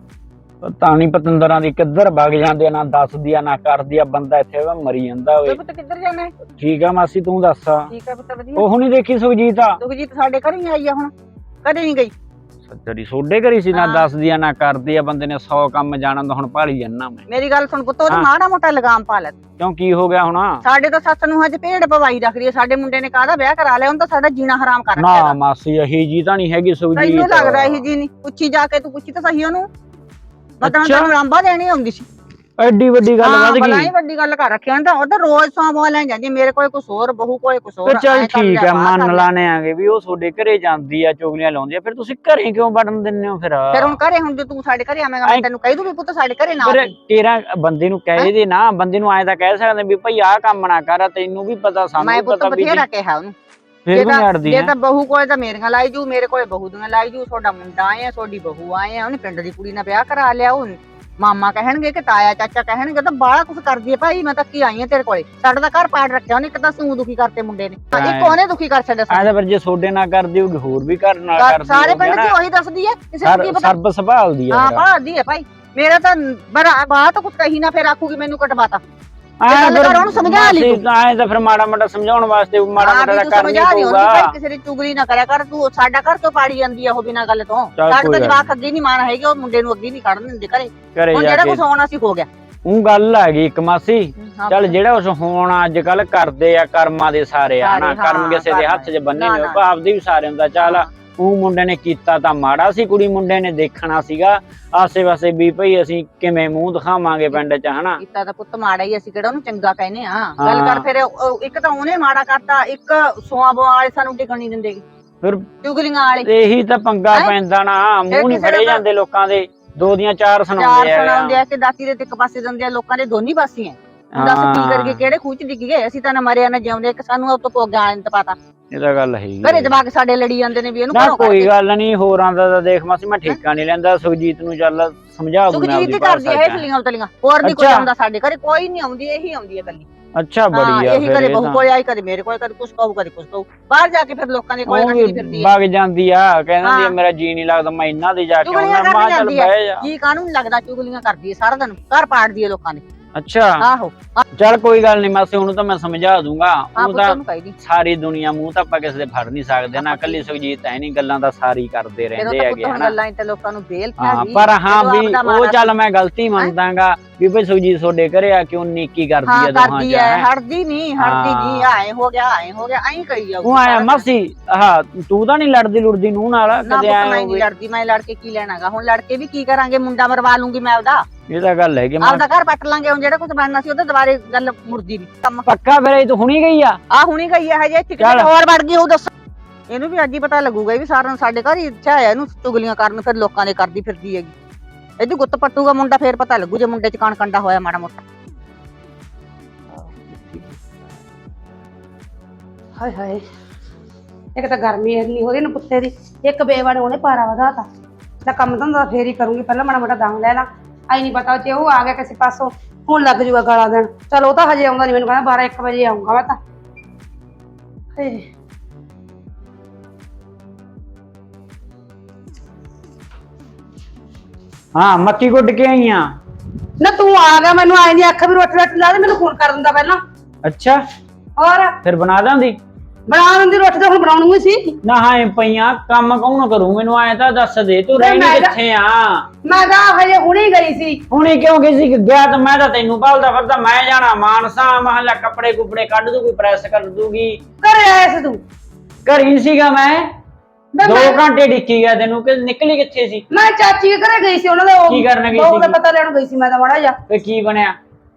[SPEAKER 3] ਪਤਾ ਨੀ ਪਤੰਦਰਾਂ ਦੀ ਕਿੱਧਰ ਵਗ ਜਾਂਦੇ ਆ, ਨਾ ਦੱਸਦੀ ਆ ਨਾ ਕਰਦੀ ਆ। ਬੰਦਾ ਇੱਥੇ ਮਰੀ ਜਾਂਦਾ ਓਏ।
[SPEAKER 1] ਪੁੱਤ ਕਿੱਧਰ ਜਾਣਾ?
[SPEAKER 3] ਠੀਕ ਆ ਮਾਸੀ, ਤੂੰ ਦੱਸ।
[SPEAKER 1] ਠੀਕ ਆ ਪੁੱਤ, ਵਧੀਆ।
[SPEAKER 3] ਉਹ ਨਹੀਂ ਦੇਖੀ ਸੁਖਜੀਤ? ਆ
[SPEAKER 1] ਸੁਖਜੀਤ ਸਾਡੇ ਘਰ ਹੀ ਆਈ ਆ। ਹੁਣ ਕਦੇ ਨਹੀਂ ਗਈ।
[SPEAKER 3] ਸੱਚਰੀ ਸੋਡੇ ਘਰੀ ਸੀ, ਨਾ ਦੱਸਦੀ ਆ ਨਾ ਕਰਦੀ ਆ। ਬੰਦੇ ਨੇ ਸੌ ਕੰਮ ਜਾਣਨ ਦਾ ਹੁਣ ਭਾਲੀ ਜੰਨਾ ਮੈਂ।
[SPEAKER 1] ਮੇਰੀ ਗੱਲ ਸੁਣ ਪੁੱਤ, ਉਹਦਾ ਮਾੜਾ ਮੋਟਾ ਲਗਾਮ ਪਾ ਲੈ।
[SPEAKER 3] ਕਿਉਂ ਕੀ ਹੋ ਗਿਆ ਹੁਣ?
[SPEAKER 1] ਸਾਡੇ ਤਾਂ ਸੱਸ ਨੂੰ ਹਜੇ ਭੇਡ ਪਵਾਈ ਰੱਖਦੀ ਐ। ਸਾਡੇ ਮੁੰਡੇ ਨੇ ਕਾਹਦਾ ਵਿਆਹ ਕਰਾ ਲਿਆ? ਉਹਨੂੰ ਤਾਂ ਸਾਡਾ ਜੀਣਾ ਹਰਾਮ ਕਰ ਰੱਖਿਆ।
[SPEAKER 3] ਨਾ ਮਾਸੀ ਇਹੀ ਜੀ ਤਾਂ ਨਹੀਂ ਹੈਗੀ ਸੁਖਜੀਤ।
[SPEAKER 1] ਤੈਨੂੰ ਲੱਗਦਾ ਇਹੀ ਜੀ ਨਹੀਂ? ਪੁੱਛੀ ਜਾ ਕੇ, ਤੂੰ ਪੁੱਛੀ ਤਾਂ ਸਹੀ ਉਹਨੂੰ। ਮਤਲਬ ਤੈਨੂੰ ਲਾਂਭਾ ਦੇਣੀ ਆਉਂਦੀ ਸੀ।
[SPEAKER 3] ਐਡੀ ਵੱਡੀ ਗੱਲ ਵੱਧ ਗਈ।
[SPEAKER 1] ਬਲਾਈ ਵੱਡੀ ਗੱਲ ਕਰ ਰੱਖੀ ਉਹਨੇ ਤਾਂ। ਉਹ ਤਾਂ ਰੋਜ਼ ਸੌਂ ਲੈ ਜਾਂਦੀ। ਮੇਰੇ ਕੋਲ ਕੁਛ ਹੋਰ, ਬਹੂ ਕੋਲ ਕੁਛ ਹੋਰ।
[SPEAKER 3] ਚੱਲ ਠੀਕ ਹੈ, ਮੰਨ ਲਾਣੇ ਆਂਗੇ ਵੀ ਉਹ ਤੁਹਾਡੇ ਘਰੇ ਜਾਂਦੀ ਆ, ਚੁਗਲੀਆਂ ਲਾਉਂਦੀ ਆ। ਫਿਰ ਤੁਸੀਂ ਘਰੇ ਕਿਉਂ ਵੜਨ ਦਿੰਦੇ ਹੋ? ਫਿਰ
[SPEAKER 1] ਫਿਰ ਹੁਣ ਘਰੇ ਹੁਣ ਜੇ ਤੂੰ ਸਾਡੇ ਘਰੇ ਆਵੇਂਗਾ, ਮੈਂ ਤੈਨੂੰ ਕਹਿ ਦੂੰ ਵੀ ਪੁੱਤ ਸਾਡੇ ਘਰੇ ਨਾ ਆਵੀਂ।
[SPEAKER 3] ਤੇਰਾ ਬੰਦੇ ਨੂੰ ਕਹਿ ਦੇ ਨਾ। ਬੰਦੇ ਨੂੰ ਐਂ ਤਾਂ ਕਹਿ ਸਕਦੇ ਵੀ ਭਾਈ ਆਹ ਕੰਮ ਨਾ ਕਰ। ਤੈਨੂੰ ਵੀ ਪਤਾ, ਸਾਨੂੰ ਵੀ ਪਤਾ।
[SPEAKER 1] ਮੈਂ ਬਥੇਰਾ ਕਿਹਾ ਉਹਨੂੰ।
[SPEAKER 3] ਫਿਰ ਵੀ ਅੜਦੀ
[SPEAKER 1] ਜੇ ਤਾਂ ਬਹੂ ਕੋਲੇ ਤਾਂ ਮੇਰੀਆਂ ਲਾਈ ਜੂ, ਮੇਰੇ ਕੋਲੇ ਬਹੂ ਦੀਆਂ ਲਾਈ ਜੂ। ਤੁਹਾਡਾ ਮੁੰਡਾ ਆਏ ਆ, ਤੁਹਾਡੀ ਬਹੂ ਆਏ ਆ। ਉਹਨੇ ਪਿੰਡ ਦੀ ਕੁੜੀ ਨਾਲ ਵਿਆਹ ਕਰਾ ਲਿਆ। ਉਹ ਮਾਮਾ ਕਹਿਣਗੇ ਕਿ ਤਾਇਆ ਚਾਚਾ ਕਹਿਣਗੇ। ਤਾਂ ਬਾਹਲਾ ਕੁਛ ਕਰਦੀ ਹੈ ਭਾਈ। ਮੈਂ ਤਾਂ ਕੀ ਆਈ ਆ ਤੇਰੇ ਕੋਲੇ? ਸਾਡਾ ਤਾਂ ਘਰ ਪਾੜ ਰੱਖਿਆ ਉਹਨੇ। ਇੱਕ ਤਾਂ ਸੂ ਦੁਖੀ ਕਰਤੇ ਮੁੰਡੇ ਨੇ, ਇੱਕ ਉਹਨੇ ਦੁਖੀ ਕਰ ਛੱਡਿਆ।
[SPEAKER 3] ਐਂ ਫਿਰ ਜੇ ਸੋਡੇ ਨਾਲ ਕਰਦੀ ਹੋਊਗੀ, ਹੋਰ ਵੀ ਘਰ ਨਾਲ ਕਰਦੀ।
[SPEAKER 1] ਸਾਰੇ ਪਿੰਡ ਦੀ ਉਹੀ ਦੱਸਦੀ ਹੈ, ਕਿਸੇ ਨੂੰ ਕੀ ਪਤਾ।
[SPEAKER 3] ਸਰਬ ਸੰਭਾਲਦੀ ਹੈ।
[SPEAKER 1] ਹਾਂ ਭਾਲਦੀ ਹੈ ਭਾਈ। ਮੇਰਾ ਤਾਂ ਬਾਤ ਕੁਛ ਕਹੀ ਨਾ, ਫਿਰ ਆਖੂਗੀ ਮੈਨੂੰ ਕਟਵਾਤਾ। ਉਹਨੂੰ ਸਮਝਾ ਲਈ
[SPEAKER 3] ਐਂ ਤਾਂ ਫਿਰ ਮਾੜਾ ਮਾੜਾ ਸਮਝਾਉਣ ਵਾਸਤੇ ਮਾੜਾ ਮਾੜਾ ਕਰਨਾ ਪਊਗਾ।
[SPEAKER 1] ਕਿਸੇ ਦੀ ਚੁਗਲੀ ਨਾ ਕਰਿਆ ਕਰ ਤੂੰ। ਸਾਡਾ ਘਰ ਕਿਉਂ ਪਾੜੀ ਜਾਂਦੀ ਆ ਉਹ ਬਿਨਾਂ ਗੱਲ ਤੋਂ? ਸਾਡੇ ਤਾਂ ਜਵਾਕ ਅੱਗੇ ਨਹੀਂ ਮਾਣ ਹੈਗੇ। ਉਹ ਮੁੰਡੇ ਨੂੰ ਅੱਗੇ ਨਹੀਂ ਖੜਨ ਦਿੰਦੇ ਘਰੇ। ਹੁਣ ਜਿਹੜਾ ਕੁਛ ਹੋਣਾ ਸੀ ਹੋ ਗਿਆ।
[SPEAKER 3] ਉਹ ਗੱਲ ਆ ਗਈ ਇੱਕ ਮਾਸੀ। ਚੱਲ ਜਿਹੜਾ ਉਸ ਹੁਣ ਅੱਜ ਕੱਲ ਕਰਦੇ ਆ ਕਰਮਾਂ ਦੇ ਸਾਰੇ ਆ ਨਾ। ਕਰਮ ਕਿਸੇ ਦੇ ਹੱਥ 'ਚ ਬੰਨੇ ਨੇ, ਆਪਦੇ ਵੀ ਸਾਰੇ ਹੁੰਦਾ। ਚੱਲ ਉਹ ਮੁੰਡੇ ਨੇ ਕੀਤਾ ਤਾਂ ਮਾੜਾ ਸੀ। ਕੁੜੀ ਮੁੰਡੇ ਨੇ ਦੇਖਣਾ ਸੀਗਾ ਆਸੇ ਪਾਸੇ ਵੀ ਭਈ ਅਸੀਂ ਕਿਵੇਂ ਮੂੰਹ ਦਿਖਾਵਾਂਗੇ ਪਿੰਡ 'ਚ, ਹਨਾ।
[SPEAKER 1] ਕੀਤਾ ਤਾਂ ਪੁੱਤ ਮਾੜਾ ਹੀ। ਅਸੀਂ ਕਿਹੜਾ ਉਹਨੂੰ ਚੰਗਾ ਕਹਿੰਦੇ ਆ? ਗੱਲ ਕਰ ਫਿਰ। ਇੱਕ ਤਾਂ ਉਹਨੇ ਮਾੜਾ ਕਰਤਾ, ਇੱਕ ਸੋਆ ਬੋਆ ਵਾਲੇ ਸਾਨੂੰ ਟਿਕਣ ਨਹੀਂ ਦਿੰਦੇ।
[SPEAKER 3] ਫਿਰ
[SPEAKER 1] ਚੁਗਲੀਆਂ ਵਾਲੇ
[SPEAKER 3] ਇਹੀ ਤਾਂ ਪੰਗਾ
[SPEAKER 1] ਹੈਂ?
[SPEAKER 3] ਪੈਂਦਾ ਨਾ, ਮੂੰਹ ਨਹੀਂ
[SPEAKER 1] ਕਿਸੇ
[SPEAKER 3] ਫੜੇ
[SPEAKER 1] ਦਾ-
[SPEAKER 3] ਜਾਂਦੇ ਲੋਕਾਂ ਦੇ, ਦੋ ਦੀਆਂ ਚਾਰ
[SPEAKER 1] ਚਾਰ
[SPEAKER 3] ਸੁਣਾਉਂਦੇ
[SPEAKER 1] ਸੁਣਾਉਂਦੇ
[SPEAKER 3] ਆ
[SPEAKER 1] ਆ ਕਿ ਦਾਤੀ ਦੇ ਤੇ ਇੱਕ ਪਾਸੇ ਦਿੰਦੇ ਆ, ਲੋਕਾਂ ਦੇ ਦੋਨੀ ਪਾਸੇ ਆ। ਹੁਣ ਦੱਸ ਕੀ ਕਰਕੇ ਕਿਹੜੇ ਖੂਹ ਚ ਡਿੱਗ ਗਏ? ਅਸੀਂ ਤਾਂ ਨਾ ਮਰਿਆ ਨਾ ਜਿਉਂਦੇ, ਇੱਕ ਸਾਨੂੰ ਉਹ ਤੋਂ ਪੋਗਿਆ ਨਹੀਂ ਪਤਾ।
[SPEAKER 3] ਇਹ ਤਾਂ ਗੱਲ ਹੈਗੀ
[SPEAKER 1] ਘਰੇ ਜਵਾਕ ਸਾਡੇ ਲੜੀ ਜਾਂਦੇ ਨੇ ਵੀ ਇਹਨੂੰ
[SPEAKER 3] ਨਾ,
[SPEAKER 1] ਘਰੋਂ
[SPEAKER 3] ਕੋਈ
[SPEAKER 1] ਕੱਢ
[SPEAKER 3] ਗੱਲ ਨਹੀਂ, ਹੋਰਾਂ ਦਾ ਤਾਂ ਦੇਖ ਮਾਸੀ ਮੈਂ ਠੇਕਾ ਨਹੀਂ ਲੈਂਦਾ, ਸੁਖਜੀਤ ਨੂੰ ਚੱਲ ਸਮਝਾ ਦੂੰ ਮੈਂ
[SPEAKER 1] ਸੁਖਜੀਤ
[SPEAKER 3] ਆਪਦੀ
[SPEAKER 1] ਹੀ ਕਰਦੀ ਹੈ
[SPEAKER 3] ਭਾਸ਼ਾ
[SPEAKER 1] ਹੇਠਲੀਆਂ ਉਤਲੀਆਂ, ਹੋਰ ਨਹੀਂ ਕੋਈ
[SPEAKER 3] ਅੱਛਾ।
[SPEAKER 1] ਆਉਂਦਾ ਸਾਡੇ ਘਰੇ, ਕੋਈ ਨਹੀਂ ਆਉਂਦੀ, ਇਹੀ ਆਉਂਦੀ ਹੈ ਕੱਲੀ।
[SPEAKER 3] ਅੱਛਾ,
[SPEAKER 1] ਹਾਂ
[SPEAKER 3] ਬੜੀ ਆ
[SPEAKER 1] ਇਹੀ
[SPEAKER 3] ਫਿਰ
[SPEAKER 1] ਕਦੇ
[SPEAKER 3] ਇਹ
[SPEAKER 1] ਬਹੂ
[SPEAKER 3] ਤਾਂ
[SPEAKER 1] ਕੋਲ ਆਈ, ਕਦੇ ਮੇਰੇ ਕੋਲ, ਕਦੇ ਕੁਛ ਕਹੂ ਕਦੇ ਕੁਛ ਕਹੂ, ਬਾਹਰ ਜਾ ਕੇ ਫਿਰ ਲੋਕਾਂ ਦੇ ਕੋਲੇ
[SPEAKER 3] ਉਹ
[SPEAKER 1] ਕੱਢਦੀ
[SPEAKER 3] ਵੀ
[SPEAKER 1] ਫਿਰਦੀ ਹੈ।
[SPEAKER 3] ਵਗ ਜਾਂਦੀ ਆ, ਕਹਿੰਦੀ ਆ
[SPEAKER 1] ਹਾਂ।
[SPEAKER 3] ਮੇਰਾ ਜੀ ਨਹੀਂ ਲੱਗਦਾ, ਮੈਂ ਇਹਨਾਂ ਦੀ ਜਾ ਕੇ
[SPEAKER 1] ਚੁਗਲੀਆਂ
[SPEAKER 3] ਆਉਣਾ, ਮਾਂ
[SPEAKER 1] ਕਰਦੀ
[SPEAKER 3] ਚੱਲ
[SPEAKER 1] ਜਾਂਦੀ ਹੈ,
[SPEAKER 3] ਬਹਿ ਜਾ।
[SPEAKER 1] ਜੀ ਕਾਹਨੂੰ ਨੀ ਲੱਗਦਾ, ਚੁਗਲੀਆਂ ਕਰਦੀ ਹੈ ਸਾਰਾ ਦਿਨ, ਘਰ ਪਾੜਦੀ ਹੈ ਲੋਕਾਂ ਦੇ।
[SPEAKER 3] ਅੱਛਾ,
[SPEAKER 1] ਆਹੋ
[SPEAKER 3] ਚੱਲ ਕੋਈ ਗੱਲ ਨਹੀਂ ਮਾਸੀ, ਉਹਨੂੰ ਤਾਂ ਮੈਂ ਸਮਝਾ ਦੂੰਗਾ।
[SPEAKER 1] ਹਾਂ
[SPEAKER 3] ਉਹ
[SPEAKER 1] ਪੁੱਤ
[SPEAKER 3] ਤਾਂ
[SPEAKER 1] ਨੂੰ ਕਹੀਦੀ,
[SPEAKER 3] ਸਾਰੀ ਦੁਨੀਆ ਮੂੰਹ ਤਾਂ ਆਪਾਂ ਕਿਸੇ ਦੇ ਫੜ ਨਹੀਂ ਸਕਦੇ ਨਾ, ਕੱਲੀ ਸੁਖਜੀਤ ਐ ਨਹੀਂ, ਗੱਲਾਂ ਤਾਂ ਸਾਰੀ ਕਰਦੇ
[SPEAKER 1] ਜਦੋਂ
[SPEAKER 3] ਰਹਿੰਦੇ
[SPEAKER 1] ਤਾਂ
[SPEAKER 3] ਹੈਗੇ
[SPEAKER 1] ਪੁੱਤ
[SPEAKER 3] ਹਨਾ।
[SPEAKER 1] ਗੱਲਾਂ ਤੇ ਲੋਕਾਂ ਨੂੰ ਬੇਲ
[SPEAKER 3] ਹਾਂ,
[SPEAKER 1] ਪੈ ਗਈ।
[SPEAKER 3] ਪਰ ਹਾਂ
[SPEAKER 1] ਜਦੋਂ
[SPEAKER 3] ਵੀ
[SPEAKER 1] ਆਪਦਾ
[SPEAKER 3] ਉਹ
[SPEAKER 1] ਮਾੜਾ
[SPEAKER 3] ਚੱਲ ਮੈਂ ਗਲਤੀ ਮੰਨਦਾਗਾ ਵੀ ਭਈ ਸੁਖਜੀਤ ਤੁਹਾਡੇ ਘਰੇ ਆ ਕਿਉਂ ਨੀਕੀ ਕਰਦੀ
[SPEAKER 1] ਹਾਂ
[SPEAKER 3] ਆ ਦੋਹਾਂ
[SPEAKER 1] ਕਰਦੀ
[SPEAKER 3] ਚ
[SPEAKER 1] ਹੈ,
[SPEAKER 3] ਹੈਂ।
[SPEAKER 1] ਹਟਦੀ ਨਹੀਂ ਹਟਦੀ ਨਹੀਂ, ਆਏ ਹੋ ਗਿਆ ਆਏ ਹੋ ਗਿਆ ਐਂ ਕਹੀ ਜਾਊ।
[SPEAKER 3] ਉਹ ਆਇਆ ਮਾਸੀ, ਹਾਂ ਤੂੰ ਤਾਂ ਨਹੀਂ ਲੜਦੀ ਲੁੜਦੀ ਨੂੰ ਨਾਲ
[SPEAKER 1] ਨਾ
[SPEAKER 3] ਕਦੇ
[SPEAKER 1] ਪੁੱਤ
[SPEAKER 3] ਆਇਆ
[SPEAKER 1] ਮੈਂ ਨਹੀਂ ਲੜਦੀ, ਮੈਂ ਲੜ ਕੇ ਕੀ ਲੈਣਾਗਾ, ਹੁਣ ਲੜ ਕੇ ਵੀ ਕੀ ਕਰਾਂਗੇ, ਮੁੰਡਾ ਮਰਵਾ ਲੂੰਗੀ ਮੈਂ ਉਹਦਾ,
[SPEAKER 3] ਇਹ ਤਾਂ ਗੱਲ ਹੈ ਕਿ ਮੈਂ
[SPEAKER 1] ਆਪਦਾ ਘਰ ਪੱਟ ਲਾਂਗੇ, ਹੁਣ ਜਿਹੜਾ ਕੁਝ ਬਣਨਾ ਸੀ ਉਹਦਾ ਦੁਬਾਰੇ ਗੱਲ ਮੁੜਦੀ ਨਹੀਂ ਕੰਮ।
[SPEAKER 3] ਪੱਕਾ ਫਿਰ ਇਹ ਤੂੰ ਹੁਣੀ ਗਈ ਆ।
[SPEAKER 1] ਆ ਹੁਣੀ ਗਈ ਹੈ ਹਜੇ, ਇੱਥੇ ਕਿਤੇ ਹੋਰ ਵੜ ਗਈ ਉਹ ਦੱਸ। ਇਹਨੂੰ ਵੀ ਅੱਜ ਹੀ ਪਤਾ ਲੱਗੂਗਾ ਵੀ ਸਾਰਿਆਂ ਸਾਡੇ ਘਰ ਹੀ ਇੱਛਾ ਹੈ ਇਹਨੂੰ ਚੁਗਲੀਆਂ ਕਰਨ, ਫਿਰ ਲੋਕਾਂ ਦੇ ਕਰਦੀ ਫਿਰਦੀ ਹੈਗੀ। ਇਹਦੀ ਗੁੱਤ ਪੱਟੂਗਾ ਮੁੰਡਾ, ਫੇਰ ਪਤਾ ਲੱਗੂ ਜੇ ਮੁੰਡੇ ਚ ਕਣ ਕੰਡਾ ਹੋਇਆ ਮਾੜਾ ਮੋਟਾ।
[SPEAKER 4] ਹਾਏ ਹਾਏ, ਇੱਕ ਤਾਂ ਗਰਮੀ ਇੰਨੀ ਹੋ ਰਹੀ ਨਾ ਪੁੱਤੇ ਦੀ, ਇੱਕ ਬੇਵਾੜੇ ਉਹਨੇ ਪਾਰਾ ਵਧਾਤਾ। ਤਾਂ ਕੰਮ ਧੰਦਾ ਫੇਰ ਹੀ ਕਰੂੰਗੀ, ਪਹਿਲਾਂ ਮਾੜਾ ਮੋਟਾ ਦਮ ਲੈ ਲਾ। ਆਈ ਨਹੀਂ ਪਤਾ ਜੇ ਉਹ ਆ ਗਿਆ ਕਿਸੇ ਪਾਸੋਂ, ਹੁਣ ਲੱਗ ਜੂਗਾ ਗਾਲਾਂ ਦੇਣ। ਚਲ ਉਹ ਤਾਂ ਹਜੇ ਆਉਂਦਾ ਨਹੀਂ, ਮੈਨੂੰ ਕਹਿੰਦਾ ਬਾਰਾਂ ਇੱਕ ਵਜੇ ਆਉਂਗਾ ਮੈਂ ਤਾਂ। ਹੇ
[SPEAKER 3] ਹਾਂ, ਮੱਕੀ ਗੁੱਡ ਕੇ ਆਈ ਆ।
[SPEAKER 4] ਨਾ ਤੂੰ ਆ ਗਿਆ, ਮੈਨੂੰ ਆਈ ਨਹੀਂ ਅੱਖ ਵੀ ਰੋਟੀ ਰੋਟੀ ਲਾ ਦੇ, ਮੈਨੂੰ ਫੋਨ ਕਰ ਦਿੰਦਾ ਪਹਿਲਾਂ।
[SPEAKER 3] ਅੱਛਾ,
[SPEAKER 4] ਹੋਰ
[SPEAKER 3] ਫਿਰ ਬਣਾ ਦਾਂਦੀ।
[SPEAKER 4] ਬਣਾ ਦਿੰਦੀ ਰੋਟੀ, ਤਾਂ ਹੁਣ ਬਣਾਉਣੀ ਸੀ।
[SPEAKER 3] ਨਾ ਹਾਂ ਪਈਆਂ, ਕੰਮ ਕੌਣ ਕਰੂ, ਮੈਨੂੰ ਐ ਤਾਂ ਦੱਸ ਦੇ ਤੂੰ ਰਹਿਣੀ
[SPEAKER 4] ਮੈਂ ਤਾਂ-
[SPEAKER 3] ਕਿੱਥੇ ਆ।
[SPEAKER 4] ਮੈਂ ਤਾਂ ਹਜੇ ਹੁਣੇ ਗਈ ਸੀ।
[SPEAKER 3] ਹੁਣੇ ਕਿਉਂ ਗਈ ਸੀ? ਗਿਆ ਤਾਂ ਮੈਂ ਤਾਂ ਤੈਨੂੰ ਭਾਲਦਾ ਫਿਰਦਾ, ਮੈਂ ਜਾਣਾ ਮਾਨਸਾ, ਮਹੱਲਾ ਕੱਪੜੇ ਕੁਪੜੇ ਕੱਢ ਦੂ, ਕੋਈ ਪ੍ਰੈਸ ਕਰ ਦੂਗੀ।
[SPEAKER 4] ਘਰੇ ਆਇਆ ਸੀ ਤੂੰ?
[SPEAKER 3] ਘਰੀ ਸੀਗਾ ਮੈਂ,
[SPEAKER 4] ਮੈਂ-
[SPEAKER 3] ਦੋ ਘੰਟੇ ਡਿੱਕੀ ਗਿਆ ਤੈਨੂੰ, ਕਿ ਨਿਕਲੀ ਕਿੱਥੇ ਸੀ?
[SPEAKER 4] ਮੈਂ ਚਾਚੀ ਦੇ ਘਰੇ ਗਈ ਸੀ, ਉਹਨਾਂ ਦਾ ਉਹ
[SPEAKER 3] ਕੀ ਕਰਨ ਗਈ
[SPEAKER 4] ਬਹੂ ਦਾ
[SPEAKER 3] ਸੀਗੀ?
[SPEAKER 4] ਪਤਾ ਲੈਣ ਗਈ ਸੀ ਮੈਂ ਤਾਂ ਮਾੜਾ ਜਿਹਾ।
[SPEAKER 3] ਤੇ ਕੀ ਬਣਿਆ?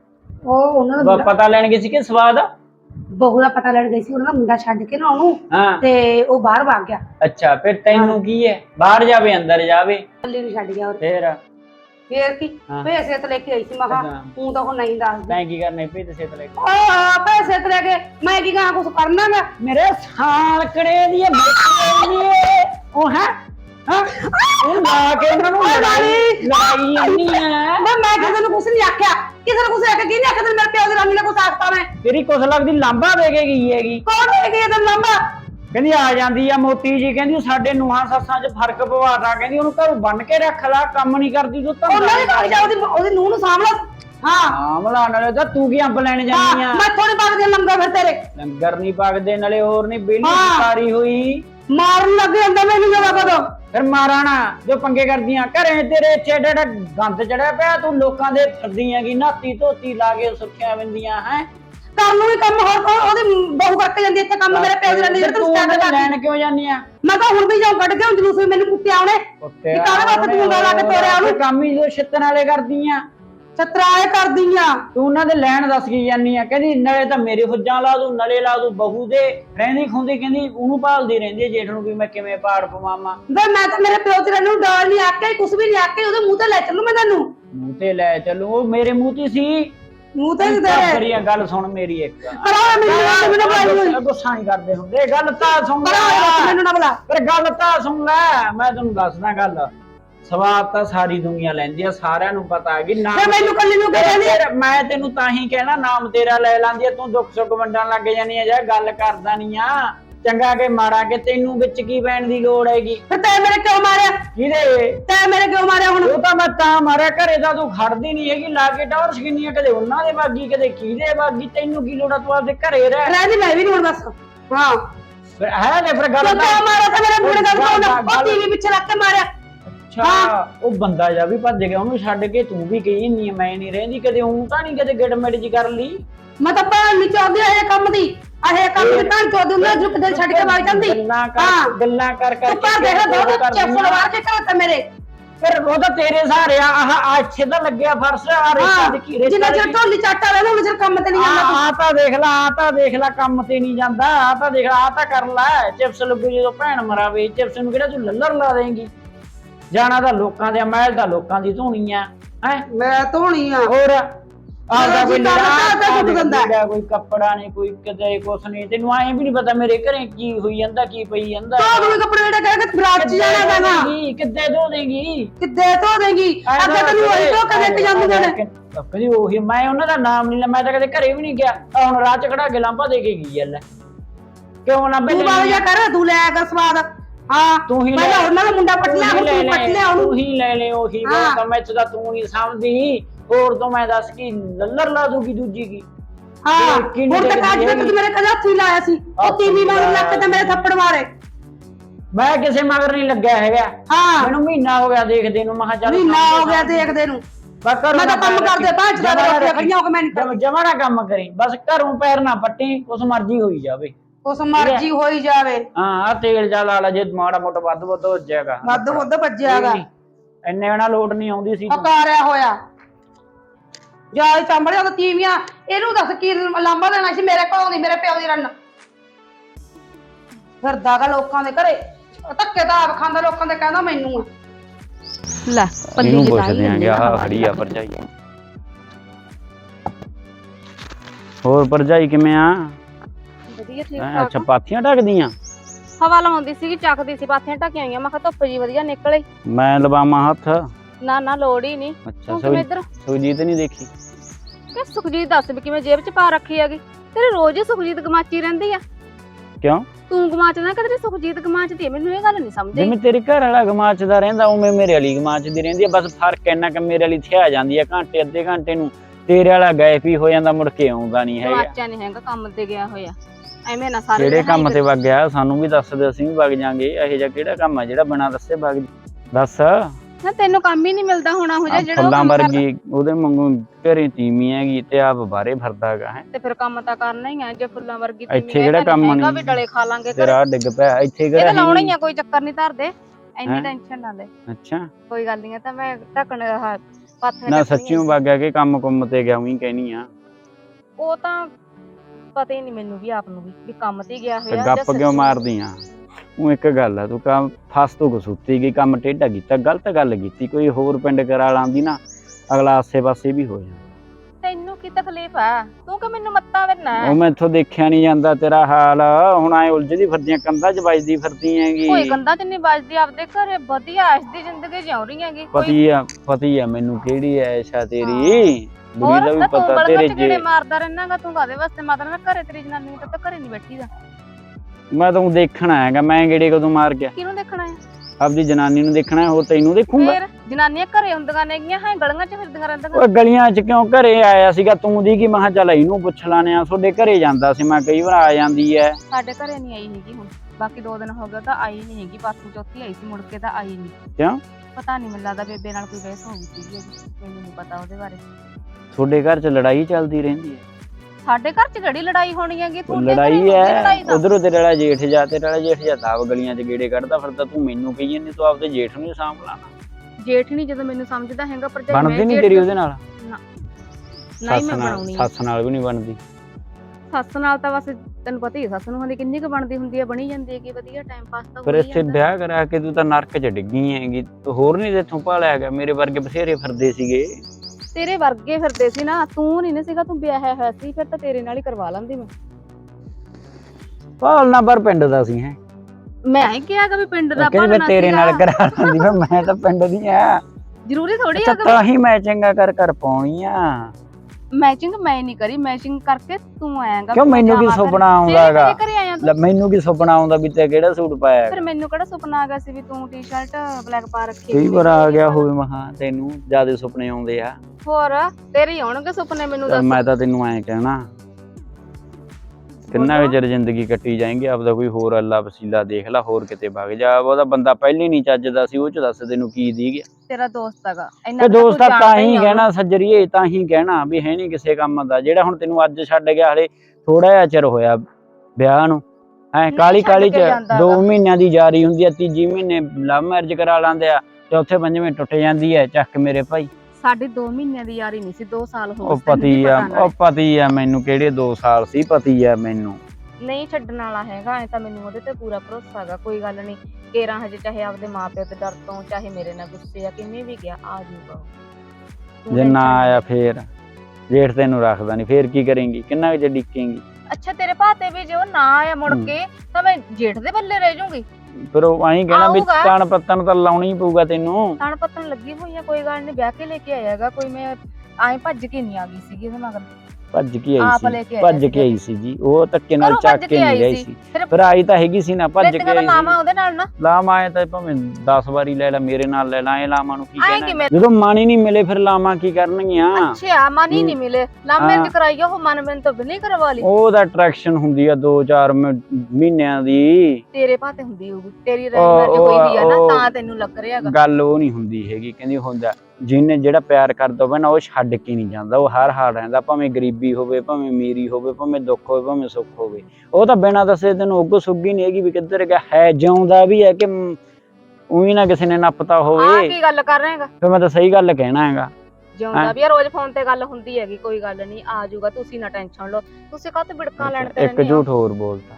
[SPEAKER 4] ਉਹ ਉਹਨਾਂ ਦਾ
[SPEAKER 3] ਬ-
[SPEAKER 4] ਮੁੰਡਾ-
[SPEAKER 3] ਪਤਾ ਲੈਣ ਗਈ ਸੀ ਕਿ ਸਵਾਦ?
[SPEAKER 4] ਬਹੂ ਦਾ ਪਤਾ ਲੈਣ ਗਈ ਸੀ, ਉਹਨਾਂ ਦਾ ਮੁੰਡਾ ਛੱਡ ਕੇ ਨਾ ਉਹਨੂੰ,
[SPEAKER 3] ਹਾਂ,
[SPEAKER 4] ਤੇ ਉਹ ਬਾਹਰ ਭੱਗ ਗਿਆ।
[SPEAKER 3] ਅੱਛਾ, ਫਿਰ ਤੈਨੂੰ ਕੀ ਹੈ, ਬਾਹਰ ਜਾਵੇ ਅੰਦਰ ਜਾਵੇ
[SPEAKER 4] ਕੱਲੀ ਨੂੰ ਛੱਡ ਗਿਆ ਉਹ।
[SPEAKER 3] ਫੇਰ
[SPEAKER 4] ਫੇਰ ਕੀ
[SPEAKER 3] ਹਾਂ।
[SPEAKER 4] ਪੈਸੇ ਤੇ ਲੈ ਕੇ ਆਈ ਸੀ, ਮੈਂ ਕਿਹਾ
[SPEAKER 3] ਅੱਛਾ।
[SPEAKER 4] ਤੂੰ ਤਾਂ ਉਹ ਨਹੀਂ ਦੱਸਦੀ।
[SPEAKER 3] ਤੈਂ ਕੀ ਕਰਨਾ ਪਈ ਤੇ ਸੇ ਤੇ ਲੈ ਕੇ?
[SPEAKER 4] ਆ ਪੈਸੇ ਤੇ ਲੈ ਕੇ ਮੈਂ ਕੀ ਕਹਾਂ, ਕੁਝ ਕਰਨਾ ਮੈਂ?
[SPEAKER 3] ਮੇਰੇ ਸਾਲਕੜੇ ਦੀ ਬੇਟੀ ਉਹ ਹੈ ਹਾਂ, ਉਹ ਲਾ ਕੇ ਇਹਨਾਂ ਨੂੰ ਲੜਾਈ ਲੜਾਈ ਇੰਨੀ ਹੈ।
[SPEAKER 4] ਮੈਂ ਮੈਂ ਕਿਸੇ ਨੂੰ ਕੁਝ ਨਹੀਂ ਆਖਿਆ, ਕਿਸੇ ਨੂੰ ਕੁਝ ਆਖਿਆ ਕੀ ਨਹੀਂ ਆਖਿਆ, ਤੇ ਮੇਰੇ ਪਿਓ ਦੀ ਰਾਨੀ ਨੇ ਕੁਝ ਆਖਤਾ ਮੈਂ?
[SPEAKER 3] ਤੇਰੀ ਕੁਛ ਲੱਗਦੀ ਲਾਂਬਾ ਦੇ ਕੇ ਗਈ ਹੈਗੀ।
[SPEAKER 4] ਕੌਣ ਲੈ ਗਿਆ ਤੈਨੂੰ ਲੰਬਾ?
[SPEAKER 3] ਕਹਿੰਦੀ ਆ ਜਾਂਦੀ ਆ ਮੋਟੀ ਜੀ, ਕਹਿੰਦੀ ਸਾਡੇ ਨੂੰਹਾਂ ਸੱਸਾਂ 'ਚ ਫਰਕ ਪਵਾਤਾ, ਕਹਿੰਦੀ ਉਹਨੂੰ ਘਰੋਂ ਬੰਨ ਕੇ ਰੱਖ ਲਾ, ਕੰਮ ਨਹੀਂ ਕਰਦੀ ਤੂੰ ਤਾਂ।
[SPEAKER 4] ਉਹਨਾਂ ਨੇ ਕਹਾ ਜਾ ਉਹਦੀ ਉਹਦੀ ਨੂੰਹ ਨੂੰ ਸਾਂਭ ਲਾ। ਹਾਂ
[SPEAKER 3] ਹਾਂ, ਮਲਾ ਨਾਲੇ ਤਾਂ ਤੂੰ ਕੀ ਅੰਬ ਲੈਣ ਜਾਂਦੀ ਆ?
[SPEAKER 4] ਮੈਂ ਥੋੜੀ ਬਾਅਦ ਦੇ ਲੰਗਾ ਫਿਰ ਤੇਰੇ
[SPEAKER 3] ਲੰਗਰ ਨਹੀਂ ਪਕਦੇ, ਨਾਲੇ ਹੋਰ ਨਹੀਂ ਬੇਲੀ
[SPEAKER 4] ਹਾਂ।
[SPEAKER 3] ਸਾਰੀ ਹੋਈ।
[SPEAKER 4] ਮਾਰਨ ਲੱਗ ਜਾਂਦਾ ਮੈਨੂੰ ਜਗਾ ਕਦੋਂ।
[SPEAKER 3] ਫਿਰ ਮਾਰਾਣਾ ਜੋ ਪੰਗੇ ਕਰਦੀਆਂ ਘਰੇ ਤੇਰੇ ਇੱਥੇ ਏਡਾ ਏਡਾ ਗੰਦ ਚੜਿਆ ਪਿਆ, ਤੂੰ ਲੋਕਾਂ ਦੇ ਫਿਰਦੀ ਹੈਗੀ ਨਾਤੀ ਧੋਤੀ ਲਾ ਕੇ ਸੁੱਖਿਆ ਬਿੰਦੀਆਂ ਹੈ।
[SPEAKER 4] ਕਰਨ ਨੂੰ ਵੀ ਕੰਮ ਹੋਰ ਕੌਣ, ਉਹਦੀ ਬਹੂ ਕਰਕੇ ਜਾਂਦੀ ਇੱਥੇ ਕੰਮ, ਮੇਰੇ ਪਿਓ ਦੀ ਰਾਨੀ
[SPEAKER 3] ਫਿਰ
[SPEAKER 4] ਜਿਹੜਾ
[SPEAKER 3] ਤੂੰ
[SPEAKER 4] ਤੂੰ ਸਟੈਂਡ
[SPEAKER 3] ਉਹਦੇ
[SPEAKER 4] ਕਰ।
[SPEAKER 3] ਲੈਣ ਕਿਉਂ ਜਾਂਦੀ ਆ?
[SPEAKER 4] ਮੈਂ ਤਾਂ ਹੁਣ ਵੀ ਜਾਉਂ ਕੱਢ ਕੇ, ਹੁਣ ਜਲੂਸ ਵੀ ਮੈਨੂੰ ਕੁੱਤੇ ਆਉਣੇ।
[SPEAKER 3] ਕੁੱਤੇ
[SPEAKER 4] ਕਾਹਦੇ ਵਾਸਤੇ ਤੂੰ ਉਂਗਲਾਂ ਲਾ ਕੇ ਤੋਰਿਆ ਉਹਨੂੰ?
[SPEAKER 3] ਕੰਮ ਹੀ ਜੋ ਛਿੱਤਣ ਵਾਲੇ ਕਰਦੀਆਂ।
[SPEAKER 4] ਛਤਰਾਏ ਕਰਦੀਆਂ
[SPEAKER 3] ਤੂੰ ਉਹਨਾਂ ਦੇ ਲੈਣ ਦੱਸ ਕੀ ਜਾਨੀ ਆ? ਕਹਿੰਦੀ ਨਾਲੇ ਤਾਂ ਮੇਰੇ ਹੁੱਜਾਂ ਲਾ ਦੂ, ਨਾਲੇ ਲਾ ਦੂ ਬਹੂ ਦੇ। ਰਹਿੰਦੀ ਖੁੰਦੀ ਕਹਿੰਦੀ ਉਹਨੂੰ ਭਾਲਦੀ ਰਹਿੰਦੀ ਹੈ ਜੇਠ ਨੂੰ ਵੀ ਮੈਂ ਕਿਵੇਂ ਪਾੜ ਪਵਾਵਾਂ।
[SPEAKER 4] ਵੇ ਮੈਂ ਤਾਂ ਮੇਰੇ ਪਿਓ ਦੀ ਰਾਨੀ ਨੂੰ ਡਾਲ ਨਹੀਂ ਆਕੇ, ਕੁਝ ਵੀ ਨਹੀਂ ਆਕੇ, ਉਹਦੇ ਮੂੰਹ ਤੇ ਲੈ ਚੱਲੂ ਮੈਂ ਤੈਨੂੰ।
[SPEAKER 3] ਮੂੰਹ ਤੇ ਲੈ ਚੱਲੂ, ਉਹ ਮੇਰੇ ਮੂੰਹ ਤੇ ਸੀ।
[SPEAKER 4] ਮੂੰਹ ਤੇ ਤੇਰੇ
[SPEAKER 3] ਤੇਰੀ ਗੱਲ ਸੁਣ ਮੇਰੀ ਇੱਕ।
[SPEAKER 4] ਪਰ ਆ ਮੈਨੂੰ ਮੈਨੂੰ ਬੁਲਾਈ ਹੋਈ।
[SPEAKER 3] ਗੁੱਸਾ ਨਹੀਂ ਕਰਦੇ ਹੁੰਦੇ, ਗੱਲ ਤਾਂ ਸੁਣ
[SPEAKER 4] ਪਰ ਆ
[SPEAKER 3] ਲੈ।
[SPEAKER 4] ਮੈਨੂੰ ਨਾ ਬੁਲਾ।
[SPEAKER 3] ਪਰ ਗੱਲ ਤਾਂ ਸੁਣ ਲੈ, ਮੈਂ ਤੈਨੂੰ ਦੱਸਦਾ ਗੱਲ। ਸਵਾਦ ਤਾਂ ਸਾਰੀ ਦੁਨੀਆ ਲੈਂਦੀ ਆ, ਸਾਰਿਆਂ ਨੂੰ ਪਤਾ ਹੈ ਕਿ ਨਾਮ
[SPEAKER 4] ਤੇ ਮੈਨੂੰ ਕੱਲੀ ਨੂੰ ਕਹਿ ਰਹੀ
[SPEAKER 3] ਤੇਰਾ- ਮੈਂ ਤੈਨੂੰ ਤਾਂ ਹੀ ਕਹਿਣਾ ਨਾਮ ਤੇਰਾ ਲੈ ਲਾਂਦੀ ਆ, ਤੂੰ ਦੁੱਖ ਸੁੱਖ ਵੰਡਣ ਲੱਗ ਜਾਨੀ ਆ, ਜਾਂ ਗੱਲ ਕਰਦਾ ਨਹੀਂ ਆ। ਚੰਗਾ ਕਿ ਮਾੜਾ ਕਿ ਤੈਨੂੰ ਵਿੱਚ ਕੀ ਪੈਣ ਦੀ ਲੋੜ ਹੈਗੀ?
[SPEAKER 4] ਫਿਰ ਤੈਂ ਮੇਰੇ ਕਿਉਂ ਮਾਰਿਆ?
[SPEAKER 3] ਕਿਹਦੇ?
[SPEAKER 4] ਤੈਂ ਮੇਰੇ ਕਿਉਂ ਮਾਰਿਆ ਹੁਣ?
[SPEAKER 3] ਉਹ ਤਾਂ ਮੈਂ ਤਾਂ ਮਾਰਿਆ, ਘਰੇ ਤਾਂ ਤੂੰ ਖੜਦੀ ਨਹੀਂ ਹੈਗੀ, ਲਾ ਕੇ ਟੌਰ ਸ਼ਕਿੰਨੀਆਂ, ਕਦੇ ਉਹਨਾਂ ਦੇ ਬਾਗੀ ਕਦੇ ਕਿਹਦੇ ਬਾਗੀ। ਤੈਨੂੰ ਕੀ ਲੋੜ ਆ, ਤੂੰ ਆਪਦੇ ਘਰੇ ਰਹਿ।
[SPEAKER 4] ਰਹਿੰਦੀ ਮੈਂ ਵੀ ਨਹੀਂ ਹੁਣ ਬਸ। ਹਾਂ
[SPEAKER 3] ਫਿਰ ਹੈ ਨੇ ਫਿਰ ਗੱਲ
[SPEAKER 4] ਤੂੰ
[SPEAKER 3] ਤਾਂ
[SPEAKER 4] ਕਿਉਂ ਮਾਰਿਆ? ਤਾਂ ਮੇਰੇ ਮੂੰਹ ਗੱਲ ਕੌਣ?
[SPEAKER 3] ਗੱਲ-
[SPEAKER 4] ਉਹ ਟੀਵੀ ਪਿੱਛੇ ਲੱਗ ਕੇ ਮਾਰਿਆ।
[SPEAKER 3] ਅੱਛਾ, ਉਹ ਬੰਦਾ ਜਾ ਵੀ ਭੱਜ ਗਿਆ, ਉਹਨੂੰ ਛੱਡ ਕੇ ਤੂੰ ਵੀ ਗਈ ਨਹੀਂ। ਮੈਂ ਨਹੀਂ ਰਹਿੰਦੀ ਕਦੇ, ਉਹ ਤਾਂ ਨਹੀਂ ਕਦੇ ਗਿੜਮਿੜ ਜੀ ਕਰ ਲਈ।
[SPEAKER 4] ਮੈਂ ਤਾਂ ਭੈਣ ਨਹੀਂ ਚਾਹਦੀ ਇਹ ਕੰਮ ਦੀ, ਇਹ ਕੰਮ ਦੀ ਭੈਣ ਚੋਦੀ ਉਹਨਾਂ ਨੂੰ ਕਿਤੇ ਛੱਡ ਕੇ ਵਗ ਜਾਂਦੀ।
[SPEAKER 3] ਗੱਲਾਂ
[SPEAKER 4] ਹਾਂ।
[SPEAKER 3] ਕਰ ਗੱਲਾਂ ਕਰ ਕਰ
[SPEAKER 4] ਤੂੰ ਪਰ ਦੇਖ ਦੋ ਚੈਪਲ ਵਾਰ ਕੇ ਘਰ ਤੇ ਮੇਰੇ।
[SPEAKER 3] ਫਿਰ ਉਹ ਤਾਂ ਤੇਰੇ ਸਹਾਰੇ ਆ ਆਹ ਆ ਇੱਥੇ ਤਾਂ ਲੱਗਿਆ ਫਰਸ਼ ਆ ਰੇਤਾ ਦੇ ਕੀੜੇ
[SPEAKER 4] ਜਿੰਨਾ ਚਿਰ ਢੋਲੀ ਚਾਟਾ ਰਹਿੰਦਾ ਉਹਨਾਂ ਚਿਰ ਕੰਮ ਤੇ ਨਹੀਂ ਜਾਂਦਾ ਤੂੰ।
[SPEAKER 3] ਆ ਤਾਂ ਦੇਖ ਲੈ ਆ ਤਾਂ ਦੇਖ ਲੈ ਕੰਮ ਤੇ ਨਹੀਂ ਜਾਂਦਾ ਆ ਤਾਂ ਦੇਖ ਆ ਤਾਂ ਕਰ ਲੈ ਚਿਪਸ ਲੱਗੂ ਜਦੋਂ ਭੈਣ ਮਰਾਵੇ ਚਿਪਸ ਨੂੰ ਕਿਹੜਾ ਤੂੰ ਲੱਲਰ ਲਾ ਦੇਂਗੀ ਜਾਣਾ ਤਾਂ ਲੋਕਾਂ ਦੇ ਮਹਿਲ ਦਾ ਲੋਕਾਂ ਦੀ ਧੂਣੀ ਆ ਹੈ
[SPEAKER 4] ਮੈਂ ਧੋਣੀ ਆ
[SPEAKER 3] ਹੋਰ ਆਦਾ ਕੋਈ
[SPEAKER 4] ਜਿਹੜਾ ਤਾਂ ਤਾਂ ਸੁੱਟ ਦਿੰਦਾ
[SPEAKER 3] ਲੀੜਾ, ਕੋਈ ਕੱਪੜਾ ਨਹੀਂ ਕੋਈ ਕਿਤੇ ਕੁਛ ਨਹੀਂ ਤੈਨੂੰ ਐਂ ਵੀ ਨਹੀਂ ਪਤਾ ਮੇਰੇ ਘਰੇ ਕੀ ਹੋਈ ਜਾਂਦਾ ਕੀ ਪਈ ਜਾਂਦਾ
[SPEAKER 4] ਧੋ ਦੂੰਗੀ ਕੱਪੜੇ ਜਿਹੜੇ ਕਹਿ ਕੇ ਬਰਾਤ ਚ ਜਾਣਾ ਪੈਣਾ
[SPEAKER 3] ਦੇਂਗੀ ਕਿੱਦੇ ਧੋ ਦੇਂਗੀ
[SPEAKER 4] ਕਿੱਦੇ ਧੋ ਦੇਂਗੀ ਅੱਗੇ ਤੈਨੂੰ ਉਹੀ ਧੋ ਕੇ ਦੇ ਕੇ ਜਾਂਦੀਆਂ ਨੇ
[SPEAKER 3] ਕਦੀ ਉਹੀ ਮੈਂ ਉਹਨਾਂ ਦਾ ਨਾਮ ਨਹੀਂ ਲਿਆ ਮੈਂ ਤਾਂ ਕਦੇ ਘਰੇ ਵੀ ਨਹੀਂ ਗਿਆ ਆਹ ਹੁਣ ਰਾਹ ਚ ਖੜਾ ਕੇ ਲਾਂਭਾ ਦੇ ਕੇ ਗਈ ਐ ਲੈ ਕਿਉਂ ਨਾ
[SPEAKER 4] ਤੂੰ ਬਾਹਰ ਜਾ ਕਰ ਤੂੰ ਲੈ ਕਰ ਸਵਾਦ ਹਾਂ
[SPEAKER 3] ਤੂੰ ਹੀ
[SPEAKER 4] ਮੈਂ
[SPEAKER 3] ਲੈ
[SPEAKER 4] ਉਹਨਾਂ ਦਾ ਮੁੰਡਾ ਪਟ ਲਿਆ ਹੁਣ ਤੂੰ ਪਟ ਲਿਆ
[SPEAKER 3] ਤੂੰ
[SPEAKER 4] ਉਹਨੂੰ
[SPEAKER 3] ਹੀ ਲੈ ਲੈ ਉਹੀ
[SPEAKER 4] ਹਾਂ।
[SPEAKER 3] ਬਹੁਤ ਮੈਚ ਦਾ ਤੂੰ ਨਹੀਂ ਸਮਝਦੀ ਹੋਰ ਤੋਂ ਮੈਂ ਦੱਸ ਕੀ ਲੱਲਰ ਲਾ ਦੂਗੀ ਦੂਜੀ ਕੀ
[SPEAKER 4] ਹਾਂ
[SPEAKER 3] ਕੀ ਨੀ
[SPEAKER 4] ਹੁਣ ਤੱਕ ਅੱਜ
[SPEAKER 3] ਦੇਖਦੀ
[SPEAKER 4] ਤੱਕ ਤੂੰ ਮੇਰੇ ਕਦੇ ਹੱਥ ਹੀ ਲਾਇਆ ਸੀ ਉਹ ਤੀਵੀਂ ਮਗਰ ਲੱਗ ਕੇ ਤੇ ਮੇਰੇ ਥੱਪੜ ਮਾਰੇ
[SPEAKER 3] ਮੈਂ ਕਿਸੇ ਮਗਰ ਨਹੀਂ ਲੱਗਿਆ ਹੈਗਾ
[SPEAKER 4] ਹਾਂ
[SPEAKER 3] ਮੈਨੂੰ ਮਹੀਨਾ ਹੋ ਗਿਆ ਦੇਖਦੇ ਨੂੰ ਮੈਂ ਕਿਹਾ ਚੱਲ
[SPEAKER 4] ਮਹੀਨਾ ਹੋ ਗਿਆ ਦੇਖਦੇ ਨੂੰ
[SPEAKER 3] ਬਸ ਘਰੋਂ
[SPEAKER 4] ਮੈਂ ਤਾਂ ਕੰਮ ਕਰਦੇ ਬਾਅਦ ਚ ਤਾਂ ਰੋਟੀਆਂ ਖੜੀਆਂ ਹੋ ਕੇ ਮੈਂ ਨਹੀਂ
[SPEAKER 3] ਜਮ ਜਮਾ ਨਾ ਕੰਮ ਕਰੀ ਬਸ ਘਰੋਂ ਪੈਰ ਨਾ ਪੱਟੀ ਉਸ ਮਰਜ਼ੀ ਹੋਈ ਜਾਵੇ
[SPEAKER 4] ਉਸ ਮਰਜ਼ੀ ਹੋਈ ਜਾਵੇ
[SPEAKER 3] ਹਾਂ ਆ ਤੇਲ ਜਾ ਲਾ ਲਾ ਜੇ ਮਾੜਾ ਮੋਟਾ ਵੱਧ ਵੱਧ ਹੋ ਜਾਏਗਾ
[SPEAKER 4] ਵੱਧ ਵੱਧ ਭੱਜਿਆਗਾ
[SPEAKER 3] ਇੰਨੇ ਨਾਲ ਲੋਟ ਨਹੀਂ ਆਉਂਦੀ ਸੀ
[SPEAKER 4] ਅਕਾਰਿਆ ਹੋਇਆ ਜਾ ਇਹ ਚੰਬੜਿਆ ਤਾਂ ਤੀਵੀਆਂ ਇਹਨੂੰ ਦੱਸ ਕੀ ਲਾਂਬਾ ਦੇਣਾ ਸੀ ਮੇਰੇ ਕੋਲ ਨਹੀਂ ਮੇਰੇ ਪਿਓ ਦੀ ਰੰਨ ਫਿਰਦਾਗਾ ਲੋਕਾਂ ਦੇ ਘਰੇ ਧੱਕੇ ਤਾਂ ਆਪ ਖਾਂਦਾ ਲੋਕਾਂ ਦੇ ਕਹਿੰਦਾ ਮੈਨੂੰ ਆ ਲੈ
[SPEAKER 3] ਇਹਨੂੰ ਪੁੱਛਦੇ ਆਂਗੇ ਆਹ ਖੜੀ ਆ ਭਰਜਾਈ ਹੋਰ ਭਰਜਾਈ ਕਿਵੇਂ ਆ
[SPEAKER 5] ਵਧੀਆ ਠੀਕ
[SPEAKER 3] ਅੱਛਾ
[SPEAKER 5] ਠਾਕ
[SPEAKER 3] ਪਾਥੀਆਂ ਢੱਕਦੀਆਂ
[SPEAKER 5] ਹਵਾ ਲਾਉਂਦੀ ਸੀਗੀ ਚੱਕਦੀ ਸੀ ਪਾਥੀਆਂ ਢੱਕੀਆਂ ਆਈਆਂ ਮੈਂ ਕਿਹਾ ਧੁੱਪ ਜੀ ਵਧੀਆ ਨਿਕਲੇ
[SPEAKER 3] ਮੈਂ ਲਵਾਵਾਂ ਹੱਥ
[SPEAKER 5] ਨਾ ਨਾ ਲੋੜ ਹੀ ਨਹੀਂ
[SPEAKER 3] ਅੱਛਾ
[SPEAKER 5] ਤੂੰ ਕਿਵੇਂ ਇੱਧਰ
[SPEAKER 3] ਸੁਜੀਤ ਨਹੀਂ ਦੇਖੀ
[SPEAKER 5] ਕਿ ਸੁਖਜੀਤ ਦੱਸ ਵੀ ਕਿਵੇਂ ਜੇਬ 'ਚ ਪਾ ਰੱਖੀ ਹੈਗੀ ਤੇਰੇ ਰੋਜ਼ ਹੀ ਸੁਖਜੀਤ ਗਮਾਚੀ ਰਹਿੰਦੀ ਆ
[SPEAKER 3] ਕਿਉਂ
[SPEAKER 5] ਤੂੰ ਗਮਾਚਦਾ ਕਿ ਤੇਰੀ ਸੁਖਜੀਤ ਗਮਾਚਦੀ ਆ ਮੈਨੂੰ ਇਹ ਗੱਲ ਨਹੀਂ ਸਮਝ ਆਈ
[SPEAKER 3] ਜਿਵੇਂ ਤੇਰੇ ਘਰ ਵਾਲਾ ਗਮਾਚਦਾ ਰਹਿੰਦਾ ਉਵੇਂ ਮੇਰੇ ਵਾਲੀ ਗਮਾਚਦੀ ਰਹਿੰਦੀ ਆ ਬਸ ਫਰਕ ਇੰਨਾ ਕਿ ਮੇਰੇ ਵਾਲੀ ਥਿਆ ਜਾਂਦੀ ਆ ਘੰਟੇ ਅੱਧੇ ਘੰਟੇ ਨੂੰ ਤੇਰੇ ਵਾਲਾ ਗਾਇਬ ਹੀ ਹੋ ਜਾਂਦਾ ਮੁੜ ਕੇ ਆਉਂਦਾ ਨਹੀਂ ਹੈਗਾ
[SPEAKER 5] ਗਮਾਚਾ ਨਹੀਂ ਹੈਗਾ ਕੰਮ ਤੇ ਗਿਆ ਹੋਇਆ ਐਵੇਂ ਨਾ ਸਾਰੇ
[SPEAKER 3] ਕਿਹੜੇ ਕੰਮ ਤੇ ਵਗ ਗਿਆ ਸਾਨੂੰ ਵੀ ਦੱਸ ਦੇ ਅਸੀਂ ਵੀ ਵਗ ਜਾਾਂਗੇ ਇਹੋ ਜਿਹਾ ਕਿਹੜਾ ਕੰਮ ਆ ਜਿਹੜਾ ਬਿਨਾਂ ਦੱਸੇ ਵਗ ਦੱਸ
[SPEAKER 5] ਨਾ ਤੈਨੂੰ ਕੰਮ ਹੀ ਨਹੀਂ ਮਿਲਦਾ ਹੋਣਾ ਹੋ ਜਾ ਜਿਹੜਾ ਉਹ
[SPEAKER 3] ਫੁੱਲਾਂ
[SPEAKER 5] ਕੰਮ ਕਰਦਾ।
[SPEAKER 3] ਵਰਗੀ ਉਹਦੇ ਵਾਂਗੂ ਘਰੇ ਤੀਮੀ ਹੈਗੀ ਤੇ ਆਪ ਬਾਹਰੇ ਫਿਰਦਾਗਾ ਹੈ
[SPEAKER 5] ਤੇ ਫਿਰ ਕੰਮ ਤਾਂ ਕਰਨਾ ਹੀ ਆ ਜੇ ਫੁੱਲਾਂ ਵਰਗੀ
[SPEAKER 3] ਇੱਥੇ
[SPEAKER 5] ਤੀਵੀਂ
[SPEAKER 3] ਕਿਹੜਾ
[SPEAKER 5] ਘਰੇ
[SPEAKER 3] ਕੰਮ
[SPEAKER 5] ਹੈਗਾ
[SPEAKER 3] ਨਹੀਂ।
[SPEAKER 5] ਵੀ ਡਲੇ ਖਾ ਲਾਂਗੇ ਘਰੇ।
[SPEAKER 3] ਤੇਰਾ ਡਿੱਗ ਪਿਆ ਇੱਥੇ
[SPEAKER 5] ਇਹ
[SPEAKER 3] ਕਿਹੜਾ
[SPEAKER 5] ਤਾਂ ਲਾਉਣਾ
[SPEAKER 3] ਹੈ
[SPEAKER 5] ਹੀ ਆ ਕੋਈ ਚੱਕਰ ਨਹੀਂ ਧਰਦੇ ਇੰਨੀ
[SPEAKER 3] ਹੈਂ?
[SPEAKER 5] ਟੈਨਸ਼ਨ ਨਾ ਲੈ
[SPEAKER 3] ਅੱਛਾ
[SPEAKER 5] ਕੋਈ ਗੱਲ ਨਹੀਂ ਤਾਂ ਮੈਂ ਢੱਕਣ ਆਹ ਪਾਥੀਆਂ
[SPEAKER 3] ਨਾ
[SPEAKER 5] ਢੱਕਣੀਆਂ
[SPEAKER 3] ਸੱਚੀਓ
[SPEAKER 5] ਸੀ।
[SPEAKER 3] ਵਗ ਗਿਆ ਕਿ ਕੰਮ ਕੁੰਮ ਤੇ ਗਿਆ ਉਹੀ ਕਹਿਨੀ ਆ
[SPEAKER 5] ਉਹ ਤਾਂ ਪਤਾ ਹੀ ਨਹੀਂ ਮੈਨੂੰ ਵੀ ਆਪ ਨੂੰ ਵੀ ਵੀ ਕੰਮ ਤੇ ਗਿਆ
[SPEAKER 3] ਤੇ
[SPEAKER 5] ਹੋਇਆ ਜਾਂ
[SPEAKER 3] ਗੱਪ ਕਿਉਂ
[SPEAKER 5] ਸੱਚੀ।
[SPEAKER 3] ਮਾਰਦੀ ਆ ਉਹ ਇੱਕ ਗੱਲ ਆ ਤੂੰ ਕੰਮ ਫਸ ਤੋਂ ਘਸੂਤੀ ਗਈ ਕੰਮ ਟੇਢਾ ਕੀਤਾ ਗਲਤ ਗੱਲ ਕੀਤੀ ਕੋਈ ਹੋਰ ਪਿੰਡ ਕਰਾ ਲਾਂਦੀ ਨਾ ਅਗਲਾ ਆਸੇ ਪਾਸੇ ਵੀ ਹੋ ਜਾਂਦਾ
[SPEAKER 5] ਤੈਨੂੰ ਕੀ ਤਕਲੀਫ ਆ ਤੂੰ ਕਿ ਮੈਨੂੰ ਮੱਤਾ ਵਰਨਾ
[SPEAKER 3] ਉਹ ਮੈਥੋਂ ਦੇਖਿਆ ਨਹੀਂ ਜਾਂਦਾ ਤੇਰਾ ਹਾਲ ਹੁਣ ਐ ਉਲਝਦੀ ਫਿਰਦੀਆਂ ਕੰਧਾਂ 'ਚ ਵੱਜਦੀ ਫਿਰਦੀ ਹੈਗੀ
[SPEAKER 5] ਕੋਈ ਗੰਦਾ ਤੇ ਨਹੀਂ ਵੱਜਦੀ ਆਪਦੇ ਘਰੇ ਵਧੀਆ ਐਸ਼ ਦੀ ਜ਼ਿੰਦਗੀ ਜਿਉ ਰਹੀ ਹੈਗੀ ਕੋਈ
[SPEAKER 3] ਪਤੀ ਆ ਪਤੀ ਆ ਮੈਨੂੰ ਕਿਹੜੀ ਐਸ਼ਾ ਤੇਰੀ ਬੁਰੀ
[SPEAKER 5] ਹੋਰ
[SPEAKER 3] ਦਾ ਵੀ
[SPEAKER 5] ਤਾਂ ਤੂੰ
[SPEAKER 3] ਪਤਾ
[SPEAKER 5] ਬਲਗਤ
[SPEAKER 3] ਤੇਰੇ
[SPEAKER 5] ਜਿਹੜੇ
[SPEAKER 3] ਜੇ
[SPEAKER 5] ਮਾਰਦਾ ਰਹਿਣਾਗਾ ਤੂੰ ਕਾਦੇ ਵਾਸਤੇ ਮਾਰਦਾ ਰਹਿਣਾ ਘਰੇ ਤੇਰੀ ਜਨਾਨੀ ਨੂੰ ਤਾਂ ਘਰੇ ਨਹੀਂ ਬੈਠੀ ਦਾ
[SPEAKER 3] ਮੈਂ ਤਾਂ ਦੇਖਣਾ ਹੈਗਾ ਮੈਂ ਕਿਹੜੇ ਕਦੋਂ ਮਾਰ ਗਿਆ
[SPEAKER 5] ਕਿਹਨੂੰ ਦੇਖਣਾ ਹੈ
[SPEAKER 3] ਆਪਦੀ ਜਨਾਨੀ ਨੂੰ ਦੇਖਣਾ ਹੈ, ਹੋਰ ਤੈਨੂੰ ਦੇਖੂੰਗਾ
[SPEAKER 5] ਫੇਰ ਜਨਾਨੀਆਂ ਘਰੇ ਹੁੰਦੀਆਂ ਨੇਗੀਆਂ ਹੈ ਗਲੀਆਂ 'ਚ ਫਿਰਦੀਆਂ ਰਹਿੰਦੀਆਂ
[SPEAKER 3] ਉਹ ਗਲੀਆਂ 'ਚ ਕਿਉਂ ਘਰੇ ਆਇਆ ਸੀਗਾ ਤੂੰ ਦੀ ਕੀ ਮਹਾ ਚੱਲ ਇਹਨੂੰ ਪੁੱਛ ਲਾਣੇ ਆ ਤੁਹਾਡੇ ਘਰੇ ਜਾਂਦਾ ਸੀ ਮੈਂ ਕਈ ਵਾਰ ਆ ਜਾਂਦੀ ਐ
[SPEAKER 5] ਸਾਡੇ ਘਰੇ ਨਹੀਂ ਆਈ ਹੈਗੀ ਹੁਣ ਬਾਕੀ ਦੋ ਦਿਨ ਹੋ ਗਏ ਤਾਂ ਆਈ ਨਹੀਂ ਹੈਗੀ ਪਰਸੋਂ ਚੌਥੀ ਆਈ ਸੀ ਮੁੜ ਕੇ ਤਾਂ ਆਈ ਨਹੀਂ
[SPEAKER 3] ਕਿਉਂ
[SPEAKER 5] ਪਤਾ ਨਹੀਂ ਮੈਨੂੰ ਲੱਗਦਾ ਬੇਬੇ ਨਾਲ ਕੋਈ ਬਹਿਸ ਹੋ ਗਈ ਸੀਗੀ ਉਹਦੀ, ਮੈਨੂੰ ਨਹੀਂ ਪਤਾ ਉਹਦੇ ਬਾਰੇ
[SPEAKER 3] ਤੁਹਾਡੇ ਘਰ 'ਚ ਲੜਾਈ ਚੱਲਦੀ ਰਹਿੰਦੀ ਹੈ
[SPEAKER 5] ਸਾਡੇ ਘਰ 'ਚ ਕਿਹੜੀ ਲੜਾਈ ਹੋਣੀ ਹੈਗੀ
[SPEAKER 3] ਉਹ
[SPEAKER 5] ਤੁਹਾਡੇ ਘਰੇ
[SPEAKER 3] ਲੜਾਈ
[SPEAKER 5] ਹੁੰਦੀ
[SPEAKER 3] ਹੈ
[SPEAKER 5] ਲੜਾਈ ਤਾਂ।
[SPEAKER 3] ਉਧਰੋਂ ਤੇ ਲੜਾ ਜੇਠ ਜਾ ਤੇ ਲੜਾ ਜੇਠ ਜਾ ਤਾਂ ਗਲੀਆਂ 'ਚ ਗੇੜੇ ਕੱਢਦਾ ਫਿਰਦਾ ਤੂੰ ਮੈਨੂੰ ਕਹੀ ਜਾਂਦੀ ਤੂੰ ਆਪਦੇ ਜੇਠ ਨੂੰ ਸਾਂਭ ਲਾਣਾ
[SPEAKER 5] ਜੇਠ ਨਹੀਂ ਜਦੋਂ ਮੈਨੂੰ ਸਮਝਦਾ ਹੈਗਾ ਪਰ
[SPEAKER 3] ਬਣਦੀ ਨਹੀਂ ਤੇਰੀ ਉਹਦੇ ਨਾਲ
[SPEAKER 5] ਨਹੀਂ
[SPEAKER 3] ਸੱਸ
[SPEAKER 5] ਮੈਂ
[SPEAKER 3] ਨਾਲ
[SPEAKER 5] ਬਣਾਉਣੀ
[SPEAKER 3] ਸੱਸ ਨਾਲ ਵੀ ਨਹੀਂ ਬਣਦੀ
[SPEAKER 5] ਸੱਸ ਨਾਲ ਤਾਂ ਬਸ ਤੈਨੂੰ ਪਤਾ ਹੀ ਆ ਸੱਸ ਨੂੰ ਹੁੰਦੀ ਕਿੰਨੀ ਕੁ ਬਣਦੀ ਹੁੰਦੀ ਹੈ ਬਣੀ ਜਾਂਦੀ ਹੈ ਕਿ ਵਧੀਆ ਟਾਈਮ ਪਾਸ ਤਾਂ ਹੋ
[SPEAKER 3] ਫਿਰ
[SPEAKER 5] ਹੀ
[SPEAKER 3] ਇੱਥੇ
[SPEAKER 5] ਜਾਂਦਾ।
[SPEAKER 3] ਵਿਆਹ ਕਰਾ ਕੇ ਤੂੰ ਤਾਂ ਨਰਕ 'ਚ ਡਿੱਗੀ ਹੈਗੀ ਤੂੰ ਹੋਰ ਨਹੀਂ ਇੱਥੋਂ ਭਾਲਿਆ ਗਿਆ ਮੇਰੇ ਵਰਗੇ ਬਥੇਰੇ ਫਿਰਦੇ ਸੀਗੇ
[SPEAKER 5] ਤੇਰੇ ਵਰਗੇ ਫਿਰਦੇ ਸੀ ਨਾ ਤੂੰ ਨਹੀਂ ਨਾ ਸੀਗਾ ਤੂੰ ਵਿਆਹਿਆ ਹੋਇਆ ਸੀ ਫਿਰ ਤਾਂ ਤੇਰੇ ਨਾਲ ਹੀ ਕਰਵਾ ਲੈਂਦੀ ਮੈਂ
[SPEAKER 3] ਭਾਲਣਾ ਪਰ ਪਿੰਡ ਦਾ ਸੀ ਹੈ
[SPEAKER 5] ਮੈਂ ਹੀ ਕਿਹਾਗਾ ਵੀ ਪਿੰਡ ਦਾ
[SPEAKER 3] ਕਹਿੰਦੀ ਮੈਂ
[SPEAKER 5] ਭਾਲਣਾ
[SPEAKER 3] ਤੇਰੇ ਨਾਲ
[SPEAKER 5] ਸੀਗਾ।
[SPEAKER 3] ਕਰਾ ਲੈਂਦੀ ਮੈਂ ਮੈਂ ਤਾਂ ਪਿੰਡ ਦੀ ਆ
[SPEAKER 5] ਜ਼ਰੂਰੀ ਥੋੜੀ
[SPEAKER 3] ਅੱਛਾ
[SPEAKER 5] ਹੈਗਾ
[SPEAKER 3] ਤਾਂ ਹੀ ਮੈਂ ਚੰਗਾ ਕਰ ਕਰ ਪਾਉਣੀ ਆ
[SPEAKER 5] ਮੈਚਿੰਗ ਮੈਂ ਨਹੀਂ ਕਰੀ ਮੈਚਿੰਗ ਕਰਕੇ ਤੂੰ ਆਏਗਾ
[SPEAKER 3] ਕਿਉਂ ਮੈਨੂੰ ਕੀ ਸੁਪਨਾ ਆਉਂਦਾਗਾ
[SPEAKER 5] ਘਰੇ ਆਇਆ ਤੂੰ
[SPEAKER 3] ਲੈ ਮੈਨੂੰ ਕੀ ਸੁਪਨਾ ਆਉਂਦਾ ਵੀ ਤੇ ਕਿਹੜਾ ਸੂਟ ਪਾਇਆ
[SPEAKER 5] ਫਿਰ ਮੈਨੂੰ ਕਿਹੜਾ ਸੁਪਨਾ ਆ ਗਿਆ ਸੀ ਵੀ ਤੂੰ ਟੀ-ਸ਼ਰਟ ਬਲੈਕ ਪਾ ਰੱਖੀ
[SPEAKER 3] ਕਈ
[SPEAKER 5] ਹੋਈ
[SPEAKER 3] ਵਾਰ ਆ
[SPEAKER 5] ਸੀ।
[SPEAKER 3] ਗਿਆ ਹੋਵੇ ਮਹਾ ਤੈਨੂੰ ਜਿਆਦੇ ਸੁਪਨੇ ਆਉਂਦੇ ਆ
[SPEAKER 5] ਹੋਰ ਤੇਰੇ ਹੀ ਆਉਣਗੇ ਸੁਪਨੇ ਮੈਨੂੰ
[SPEAKER 3] ਚੱਲ
[SPEAKER 5] ਦੱਸ
[SPEAKER 3] ਮੈਂ ਤਾਂ ਤੈਨੂੰ ਐਂ ਕਹਿਣਾ ਕਿੰਨਾ ਕੁ ਚਿਰ ਜ਼ਿੰਦਗੀ ਕੱਟੀ ਜਾਏਂਗੇ ਆਪਦਾ ਕੋਈ ਹੋਰ ਅੱਲਾ ਵਸੀਲਾ ਦੇਖ ਲੈ ਹੋਰ ਕਿਤੇ ਵਗ ਜਾ ਉਹਦਾ ਬੰਦਾ ਪਹਿਲੇ ਨਹੀਂ ਚੱਜਦਾ ਸੀ ਉਹ ਚ ਦੱਸ ਤੈਨੂੰ ਕੀ ਦੀ ਗਿਆ
[SPEAKER 5] ਤੇਰਾ ਦੋਸਤ ਹੈਗਾ
[SPEAKER 3] ਤੇ ਦੋਸਤ ਤਾਂ ਤਾਂ ਹੀ ਕਹਿਣਾ ਸੱਜਰੀਏ ਤਾਂ ਹੀ ਕਹਿਣਾ ਵੀ ਹੈ ਨਹੀਂ ਕਿਸੇ ਕੰਮ ਦਾ ਜਿਹੜਾ ਹੁਣ ਤੈਨੂੰ ਅੱਜ ਛੱਡ ਗਿਆ ਹਲੇ ਥੋੜਾ ਜਿਹਾ ਚਿਰ ਹੋਇਆ ਵਿਆਹ ਨੂੰ ਹੈ ਕਾਲੀ ਕਾਲੀ ਚ ਦੋ ਮਹੀਨਿਆਂ ਦੀ ਜਾਰੀ ਹੁੰਦੀ ਆ, ਤੀਜੀ ਮਹੀਨੇ ਲਵ ਮੈਰਿਜ ਕਰਾ ਲਾਂਦੇ ਆ, ਚੌਥੇ ਪੰਜਵੇਂ ਟੁੱਟ ਜਾਂਦੀ ਹੈ। ਚੱਕ ਮੇਰੇ ਭਾਈ
[SPEAKER 5] ਸਾਡੀ ਦੋ ਮਹੀਨਿਆਂ ਦੀ ਯਾਰੀ ਨਹੀਂ ਸੀ, ਦੋ ਸਾਲ ਹੋ
[SPEAKER 3] ਉਹ ਪਤੀ ਆ, ਉਹ ਪਤੀ ਆ ਮੈਨੂੰ, ਕਿਹੜੇ ਦੋ ਸਾਲ ਸੀ, ਪਤੀ ਆ ਮੈਨੂੰ।
[SPEAKER 5] ਨਹੀਂ ਛੱਡਣ ਵਾਲਾ ਹੈਗਾ, ਐ ਤਾਂ ਮੈਨੂੰ ਉਹਦੇ ਤੇ ਪੂਰਾ ਭਰੋਸਾ ਹੈਗਾ। ਕੋਈ ਗੱਲ ਨਹੀਂ, ਕੇਰਾਂ ਹਜੇ ਚਾਹੇ ਆਪਦੇ ਮਾਪਿਓ ਤੇ ਡਰ ਤੋਂ, ਚਾਹੇ ਮੇਰੇ ਨਾਲ ਗੁੱਸੇ ਆ, ਕਿਵੇਂ ਵੀ ਗਿਆ ਆ ਜਾਊਗਾ।
[SPEAKER 3] ਜੇ ਨਾ ਆਇਆ ਫੇਰ ਜੇਠ ਤੈਨੂੰ ਰੱਖਦਾ ਨਹੀਂ, ਫੇਰ ਕੀ ਕਰੇਂਗੀ, ਕਿੰਨਾ ਕੁ ਡਿੱਕੇਂਗੀ?
[SPEAKER 5] ਅੱਛਾ ਤੇਰੇ ਭਾਤੇ ਵੀ ਜੇ ਉਹ ਨਾ ਆਇਆ ਮੁੜ ਕੇ ਤਾਂ ਮੈਂ ਜੇਠ ਦੇ ਬੱਲੇ ਰਹਿ ਜਾਊਂਗੀ।
[SPEAKER 3] ਫਿਰ ਉਹ ਐਂ ਕਹਿਣਾ ਵੀ ਤਣ ਪੱਤਨ ਤਾਂ ਲਾਉਣੀ ਹੀ ਪਊਗਾ ਤੈਨੂੰ।
[SPEAKER 5] ਤਣ ਪੱਤਨ ਲੱਗੀ ਹੋਈ ਆ, ਕੋਈ ਗੱਲ ਨਹੀਂ, ਵਿਆਹ ਕੇ ਲੈ ਕੇ ਆਇਆ ਹੈਗਾ ਕੋਈ। ਮੈਂ ਐਂ ਭੱਜ ਕੇ ਨਹੀਂ ਆ ਗਈ ਸੀਗੀ ਉਹਦੇ ਮਗਰ,
[SPEAKER 3] ਭੱਜ ਕੇ ਆਈ
[SPEAKER 5] ਆਪ
[SPEAKER 3] ਸੀ,
[SPEAKER 5] ਲੈ ਕੇ
[SPEAKER 3] ਭੱਜ ਕੇ ਆਈ ਸੀ ਜੀ, ਉਹ ਧੱਕੇ ਨਾਲ
[SPEAKER 5] ਘਰੋਂ
[SPEAKER 3] ਚੱਕ
[SPEAKER 5] ਭੱਜ
[SPEAKER 3] ਕੇ
[SPEAKER 5] ਕੇ
[SPEAKER 3] ਨਹੀਂ
[SPEAKER 5] ਆਈ
[SPEAKER 3] ਗਈ
[SPEAKER 5] ਸੀ।
[SPEAKER 3] ਸੀ,
[SPEAKER 5] ਫਿਰ
[SPEAKER 3] ਫਿਰ ਆਈ ਤਾਂ ਹੈਗੀ ਸੀ ਨਾ, ਭੱਜ ਕੇ
[SPEAKER 5] ਤੇਰਾ
[SPEAKER 3] ਆਈ
[SPEAKER 5] ਲਾਮਾ
[SPEAKER 3] ਸੀ।
[SPEAKER 5] ਉਹਦੇ ਨਾਲ ਨਾ
[SPEAKER 3] ਲਾਮਾ ਆਏ ਤਾਂ ਭਾਵੇਂ ਦਸ ਵਾਰੀ ਲੈ ਲੈ, ਮੇਰੇ ਨਾਲ ਲੈ ਲੈ, ਐ ਲਾਮਾ ਨੂੰ ਕੀ
[SPEAKER 5] ਐਂ
[SPEAKER 3] ਕਹਿਣਾ?
[SPEAKER 5] ਕਿਵੇਂ?
[SPEAKER 3] ਜਦੋਂ ਮਨ ਹੀ ਨਹੀਂ ਮਿਲੇ ਫਿਰ ਲਾਮਾ ਕੀ ਕਰਨਗੀਆਂ?
[SPEAKER 5] ਅੱਛਾ ਮਨ ਹੀ ਨਹੀਂ ਮਿਲੇ, ਲਵ ਮੈਰਿਜ ਕਰਾਈ ਉਹ ਮਨ ਮੈਨੂੰ ਤਾਂ ਨਹੀਂ ਕਰਵਾ ਲਈ।
[SPEAKER 3] ਉਹਦਾ ਅਟਰੈਕਸ਼ਨ ਹੁੰਦੀ ਆ ਦੋ ਚਾਰ ਮਹੀਨਿਆਂ ਦੀ।
[SPEAKER 5] ਤੇਰੇ ਭਾਤੇ ਹੁੰਦੀ ਹੋਊਗੀ, ਤੇਰੀ ਰੈਜ ਮੈਰਿਜ ਹੋਈ ਦੀ ਆ ਨਾ, ਤਾਂ ਤੈਨੂੰ ਲੱਗ ਰਿਹਾ ਹੈਗਾ।
[SPEAKER 3] ਗੱਲ ਉਹ ਨਹੀਂ ਹੁੰਦੀ ਹੈਗੀ, ਕਹਿੰਦੀ ਹੁੰਦਾ ਜਿਹਨੇ ਜਿਹੜਾ ਪਿਆਰ ਕਰਦਾ ਹੋਵੇ ਨਾ ਉਹ ਛੱਡ ਕੇ ਨਹੀਂ ਜਾਂਦਾ, ਉਹ ਹਰ ਹਾਲ ਰਹਿੰਦਾ, ਭਾਵੇਂ ਗਰੀਬੀ ਹੋਵੇ, ਭਾਵੇਂ ਅਮੀਰੀ ਹੋਵੇ, ਭਾਵੇਂ ਦੁੱਖ ਹੋਵੇ, ਭਾਵੇਂ ਸੁੱਖ ਹੋਵੇ। ਉਹ ਤਾਂ ਬਿਨਾਂ ਦੱਸੇ ਤੈਨੂੰ ਉੱਗ ਸੁੱਗੀ ਨਹੀਂ ਹੈਗੀ ਵੀ ਕਿੱਧਰ ਗਿਆ ਹੈ, ਜਿਉਂਦਾ ਵੀ ਹੈ ਕਿ ਉਹੀ ਨਾ ਕਿਸੇ ਨੇ ਨੱਪਤਾ ਹੋਵੇ।
[SPEAKER 5] ਆ ਕੀ ਗੱਲ ਕਰ ਰਹੇਗਾ?
[SPEAKER 3] ਫਿਰ ਮੈਂ ਤਾਂ ਸਹੀ ਗੱਲ ਕਹਿਣਾ ਹੈਗਾ,
[SPEAKER 5] ਜਿਉਂਦਾ ਵੀ ਆ, ਰੋਜ਼ ਫੋਨ ਤੇ ਗੱਲ ਹੁੰਦੀ ਹੈਗੀ, ਕੋਈ ਗੱਲ ਨਹੀਂ ਆ ਜਾਊਗਾ, ਤੁਸੀਂ ਨਾ ਟੈਨਸ਼ਨ ਲਓ। ਤੁਸੀਂ ਕਾਹਤੇ ਬਿੜਕਾਂ ਲੈਣ ਤੇ
[SPEAKER 3] ਇੱਕ ਝੂਠ ਹੋਰ ਬੋਲਤਾ।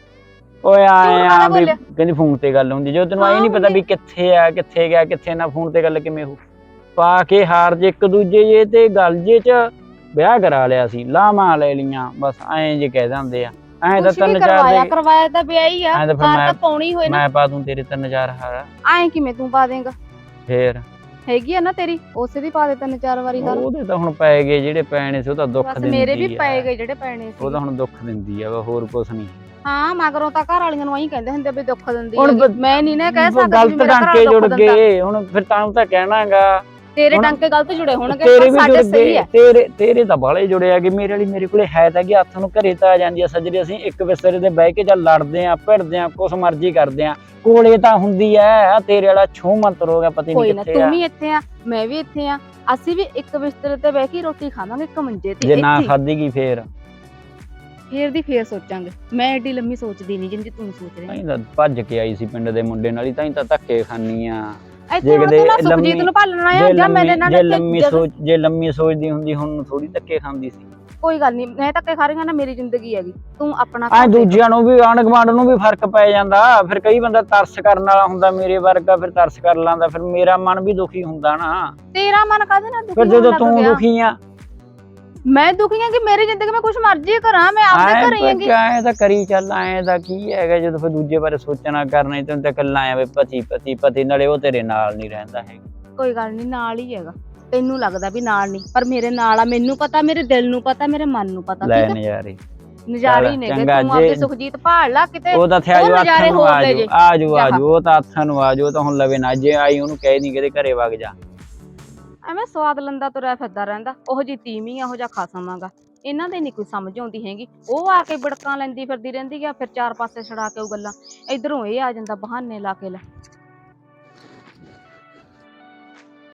[SPEAKER 3] ਓਏ ਆਏ ਆ ਵੀ ਕਹਿੰਦੀ ਫੋਨ ਤੇ ਗੱਲ ਹੁੰਦੀ, ਜੋ ਤੈਨੂੰ ਆਈ ਨਹੀਂ ਪਤਾ ਵੀ ਕਿੱਥੇ ਆ, ਕਿੱਥੇ ਗਿਆ, ਕਿੱਥੇ ਨਾ, ਫੋਨ ਤੇ ਗੱਲ ਕਿਵੇਂ ਹੋ ਪਾ ਕੇ ਹਾਰ ਜੇ ਇੱਕ ਦੂਜੇ ਜੇ ਤੇ ਗੱਲ ਜੇ ਚ ਵਿਆਹ ਕਰਾ ਲਿਆ ਸੀ, ਲਾਵਾਂ ਲੈ ਲੀਆਂ, ਬਸ ਐਂ ਜੇ ਕਹਿ ਦਿੰਦੇ ਆ। ਐਂ ਤਾਂ ਤਿੰਨ ਚਾਰ
[SPEAKER 5] ਕਰਵਾਇਆ ਕਰਵਾਇਆ ਤਾਂ ਵਿਆਹ ਹੀ ਆ,
[SPEAKER 3] ਐਂ ਤਾਂ ਫਿਰ
[SPEAKER 5] ਕਾਰ
[SPEAKER 3] ਮੈਂ
[SPEAKER 5] ਤਾਂ ਪਾਉਣੀ ਹੋਏ ਨਾ।
[SPEAKER 3] ਮੈਂ ਪਾ ਦੂੰ ਤੇਰੇ ਤਿੰਨ ਚਾਰ ਹਾਰ।
[SPEAKER 5] ਐਂ ਕਿਵੇਂ ਤੂੰ ਪਾ ਦੇਂਗਾ?
[SPEAKER 3] ਫੇਰ
[SPEAKER 5] ਹੈਗੀ ਆ ਨਾ ਤੇਰੀ, ਉਸੇ ਦੀ ਪਾ ਦੇ ਤਿੰਨ ਚਾਰ ਵਾਰੀ ਗੱਲ।
[SPEAKER 3] ਉਹਦੇ ਤਾਂ ਹੁਣ ਪੈ ਗਏ ਜਿਹੜੇ ਪੈਣੇ ਸੀ, ਉਹ ਤਾਂ ਦੁੱਖ ਦਿੰਦੀ ਆ।
[SPEAKER 5] ਮੇਰੇ ਵੀ ਪੈ ਗਏ ਜਿਹੜੇ ਪੈਣੇ ਸੀ,
[SPEAKER 3] ਉਹ ਤਾਂ ਹੁਣ ਦੁੱਖ ਦਿੰਦੀ ਆ, ਹੋਰ ਕੁਛ ਨਹੀਂ।
[SPEAKER 5] ਹਾਂ ਮਗਰੋਂ ਤਾਂ ਘਰ ਵਾਲੀਆਂ ਨੂੰ ਐਂ ਕਹਿੰਦੇ ਹੁੰਦੇ ਵੀ ਦੁੱਖ ਦਿੰਦੀ
[SPEAKER 3] ਹੁਣ
[SPEAKER 5] ਹੈ। ਮੈਂ ਨਹੀਂ ਨਾ ਕਹਿ ਸਕਦੀ
[SPEAKER 3] ਗਲਤ ਟਾਂਕੇ ਜੁੜ ਗਏ, ਹੁਣ ਫਿਰ ਤਾਂ ਤਾਂ ਕਹਿਣਾਗਾ
[SPEAKER 5] ਤੇਰੇ ਟਾਂਕੇ ਗਲਤ ਜੁੜੇ ਹੋਣਗੇ,
[SPEAKER 3] ਤੇਰੇ ਵੀ
[SPEAKER 5] ਸਾਡੇ
[SPEAKER 3] ਜੁੜ
[SPEAKER 5] ਸਹੀ
[SPEAKER 3] ਗਏ,
[SPEAKER 5] ਹੈ।
[SPEAKER 3] ਤੇਰੇ ਤੇਰੇ ਤਾਂ ਬਾਲੇ ਜੁੜੇ ਆ ਕਿ ਮੇਰੇ ਵਾਲੀ ਮੇਰੇ ਕੋਲੇ ਹੈ ਤਾਂ ਕਿ ਹੱਥ ਨੂੰ ਘਰੇ ਤਾਂ ਆ ਜਾਂਦੀ ਆ ਸੱਜਰੇ, ਅਸੀਂ ਇੱਕ ਬਿਸਤਰੇ ਤੇ ਬਹਿ ਕੇ ਜਾਂ ਲੜਦੇ ਆ, ਭਿੜਦੇ ਆ, ਕੁਛ ਮਰਜ਼ੀ ਕਰਦੇ ਆ, ਕੋਲੇ ਤਾਂ ਹੁੰਦੀ ਐ। ਤੇਰੇ ਵਾਲਾ ਛੂ ਮੰਤਰ ਹੋ ਗਿਆ, ਪਤਾ ਨਹੀਂ ਕਿੱਥੇ ਆ।
[SPEAKER 5] ਤੂੰ ਵੀ ਇੱਥੇ ਆ, ਮੈਂ ਵੀ ਇੱਥੇ ਆ, ਅਸੀਂ ਵੀ ਇੱਕ ਬਿਸਤਰੇ ਤੇ ਬਹਿ ਕੇ ਰੋਟੀ ਖਾਵਾਂਗੇ, ਇੱਕ ਮੰਜੇ ਤੇ।
[SPEAKER 3] ਜੇ ਨਾ ਖਾਧੀ ਕੀ ਫੇਰ?
[SPEAKER 5] ਫੇਰ ਦੀ ਫੇਰ ਸੋਚਾਂਗੇ। ਮੈਂ ਏਡੀ ਲੰਮੀ ਸੋਚਦੀ ਨਹੀਂ ਜਿੰਨੀ ਤੂੰ ਸੋਚ ਰਹੀ।
[SPEAKER 3] ਤਾਂ ਤਾਂ ਭੱਜ ਕੇ ਆਈ ਸੀ ਪਿੰਡ ਦੇ ਮੁੰਡੇ ਨਾਲ ਹੀ, ਤਾਂ ਹੀ ਤਾਂ ਧੱਕੇ ਖਾਨੀ ਆ।
[SPEAKER 5] ਇੱਥੇ ਹੁਣ ਤੂੰ ਨਾ ਸੁਖਜੀਤ ਨੂੰ ਭਾਲਣਾ ਆ ਜਾਂ ਮੇਰੇ ਨਾਲ।
[SPEAKER 3] ਜੇ ਲੰਮੀ ਸੋਚ ਜੇ ਲੰਮੀ ਸੋਚਦੀ ਹੁੰਦੀ ਹੁਣ ਥੋੜੀ ਧੱਕੇ ਖਾਂਦੀ ਸੀ।
[SPEAKER 5] ਕੋਈ ਗੱਲ ਨਹੀਂ, ਮੈਂ ਧੱਕੇ ਖਾ ਰਹੀ ਹਾਂ ਨਾ, ਮੇਰੀ ਜ਼ਿੰਦਗੀ ਹੈਗੀ, ਤੂੰ ਆਪਣਾ
[SPEAKER 3] ਆ ਦੂਜਿਆਂ ਨੂੰ ਵੀ, ਆਂਢ ਗੁਆਂਢ ਨੂੰ ਵੀ ਫਰਕ ਪੈ ਜਾਂਦਾ। ਫਿਰ ਕਈ ਬੰਦਾ ਤਰਸ ਕਰਨ ਵਾਲਾ ਹੁੰਦਾ, ਮੇਰੇ ਵਰਗਾ ਫਿਰ ਤਰਸ ਕਰ ਲਾਂਦਾ, ਫਿਰ ਮੇਰਾ ਮਨ ਵੀ ਦੁਖੀ ਹੁੰਦਾ ਨਾ।
[SPEAKER 5] ਤੇਰਾ ਮਨ ਕਾਹਦੇ ਨਾਲ ਦੁਖੀ?
[SPEAKER 3] ਫਿਰ ਜਦੋਂ ਤੂੰ ਦੁਖੀ ਆ,
[SPEAKER 5] ਮੈਂ ਦੁਖੀ ਆ ਕਿ ਮੇਰੀ ਜ਼ਿੰਦਗੀ ਮੈਂ ਕੁਛ ਮਰਜ਼ੀ ਕਰਾਂ, ਮੈਂ ਆਪਦੇ ਘਰੇ ਹੈਗੀ।
[SPEAKER 3] ਐ ਤਾਂ ਕਰੀ ਚੱਲ, ਐ ਦਾ ਕੀ ਹੈਗਾ ਜਦੋਂ ਫਿਰ ਦੂਜੇ ਬਾਰੇ ਸੋਚਣਾ ਕਰਨਾ, ਤੈਨੂੰ ਤਾਂ ਕੱਲਾ ਆਵੇ ਪਤੀ ਪਤੀ ਪਤੀ, ਨਾਲੇ ਉਹ ਤੇਰੇ ਨਾਲ ਨਹੀਂ ਰਹਿੰਦਾ ਹੈਗਾ।
[SPEAKER 5] ਕੋਈ ਗੱਲ ਨਹੀਂ, ਨਾਲ ਹੀ ਹੈਗਾ। ਤੈਨੂੰ ਲੱਗਦਾ ਵੀ ਨਾਲ ਨਹੀਂ, ਪਰ ਮੇਰੇ ਨਾਲ ਆ, ਮੈਨੂੰ ਪਤਾ, ਮੇਰੇ ਦਿਲ ਨੂੰ ਪਤਾ, ਮੇਰੇ ਮਨ ਨੂੰ ਪਤਾ।
[SPEAKER 3] ਲੈ ਨਜ਼ਾਰੇ
[SPEAKER 5] ਨਜ਼ਾਰੇ ਹੀ ਨੇਗੇ, ਤੂੰ ਆਪਦੇ ਸੁਖਜੀਤ ਭਾਲ ਲਾ ਕਿਤੇ।
[SPEAKER 3] ਉਹ ਤਾਂ ਥਿਆ ਜੋ ਹੱਥਾਂ ਨੂੰ ਆਜੋ ਆਜੋ ਆਜੋ, ਉਹ ਤਾਂ ਹੱਥਾਂ ਨੂੰ ਆਜੋ, ਤਾਂ ਹੁਣ ਲਵੇ ਨਾ, ਜੇ ਆਈ ਉਹਨੂੰ ਕਹਿ ਨਹੀਂ ਕਿਤੇ ਘਰੇ ਵਗ ਜਾ।
[SPEAKER 5] ਐਵੇਂ ਸਵਾਦ ਲੰਦਾ ਤੁਰਿਆ ਫਿਰਦਾ ਰਹਿੰਦਾ, ਉਹੋ ਜੀ ਤੀਵੀਂ ਆ, ਉਹੋ ਜਿਹਾ ਖਸਮ ਆਗਾ। ਇਹਨਾਂ ਦੇ ਨਹੀਂ ਕੋਈ ਸਮਝ ਆਉਂਦੀ ਹੈਗੀ। ਉਹ ਆ ਕੇ ਬੜਕਾਂ ਲੈਂਦੀ ਫਿਰਦੀ ਰਹਿੰਦੀ ਆ, ਫਿਰ ਚਾਰ ਪਾਸੇ ਛੜਾ ਕੇ ਉਹ ਗੱਲਾਂ, ਇਧਰੋਂ ਇਹ ਆ ਜਾਂਦਾ ਬਹਾਨੇ ਲਾ ਕੇ ਲੈ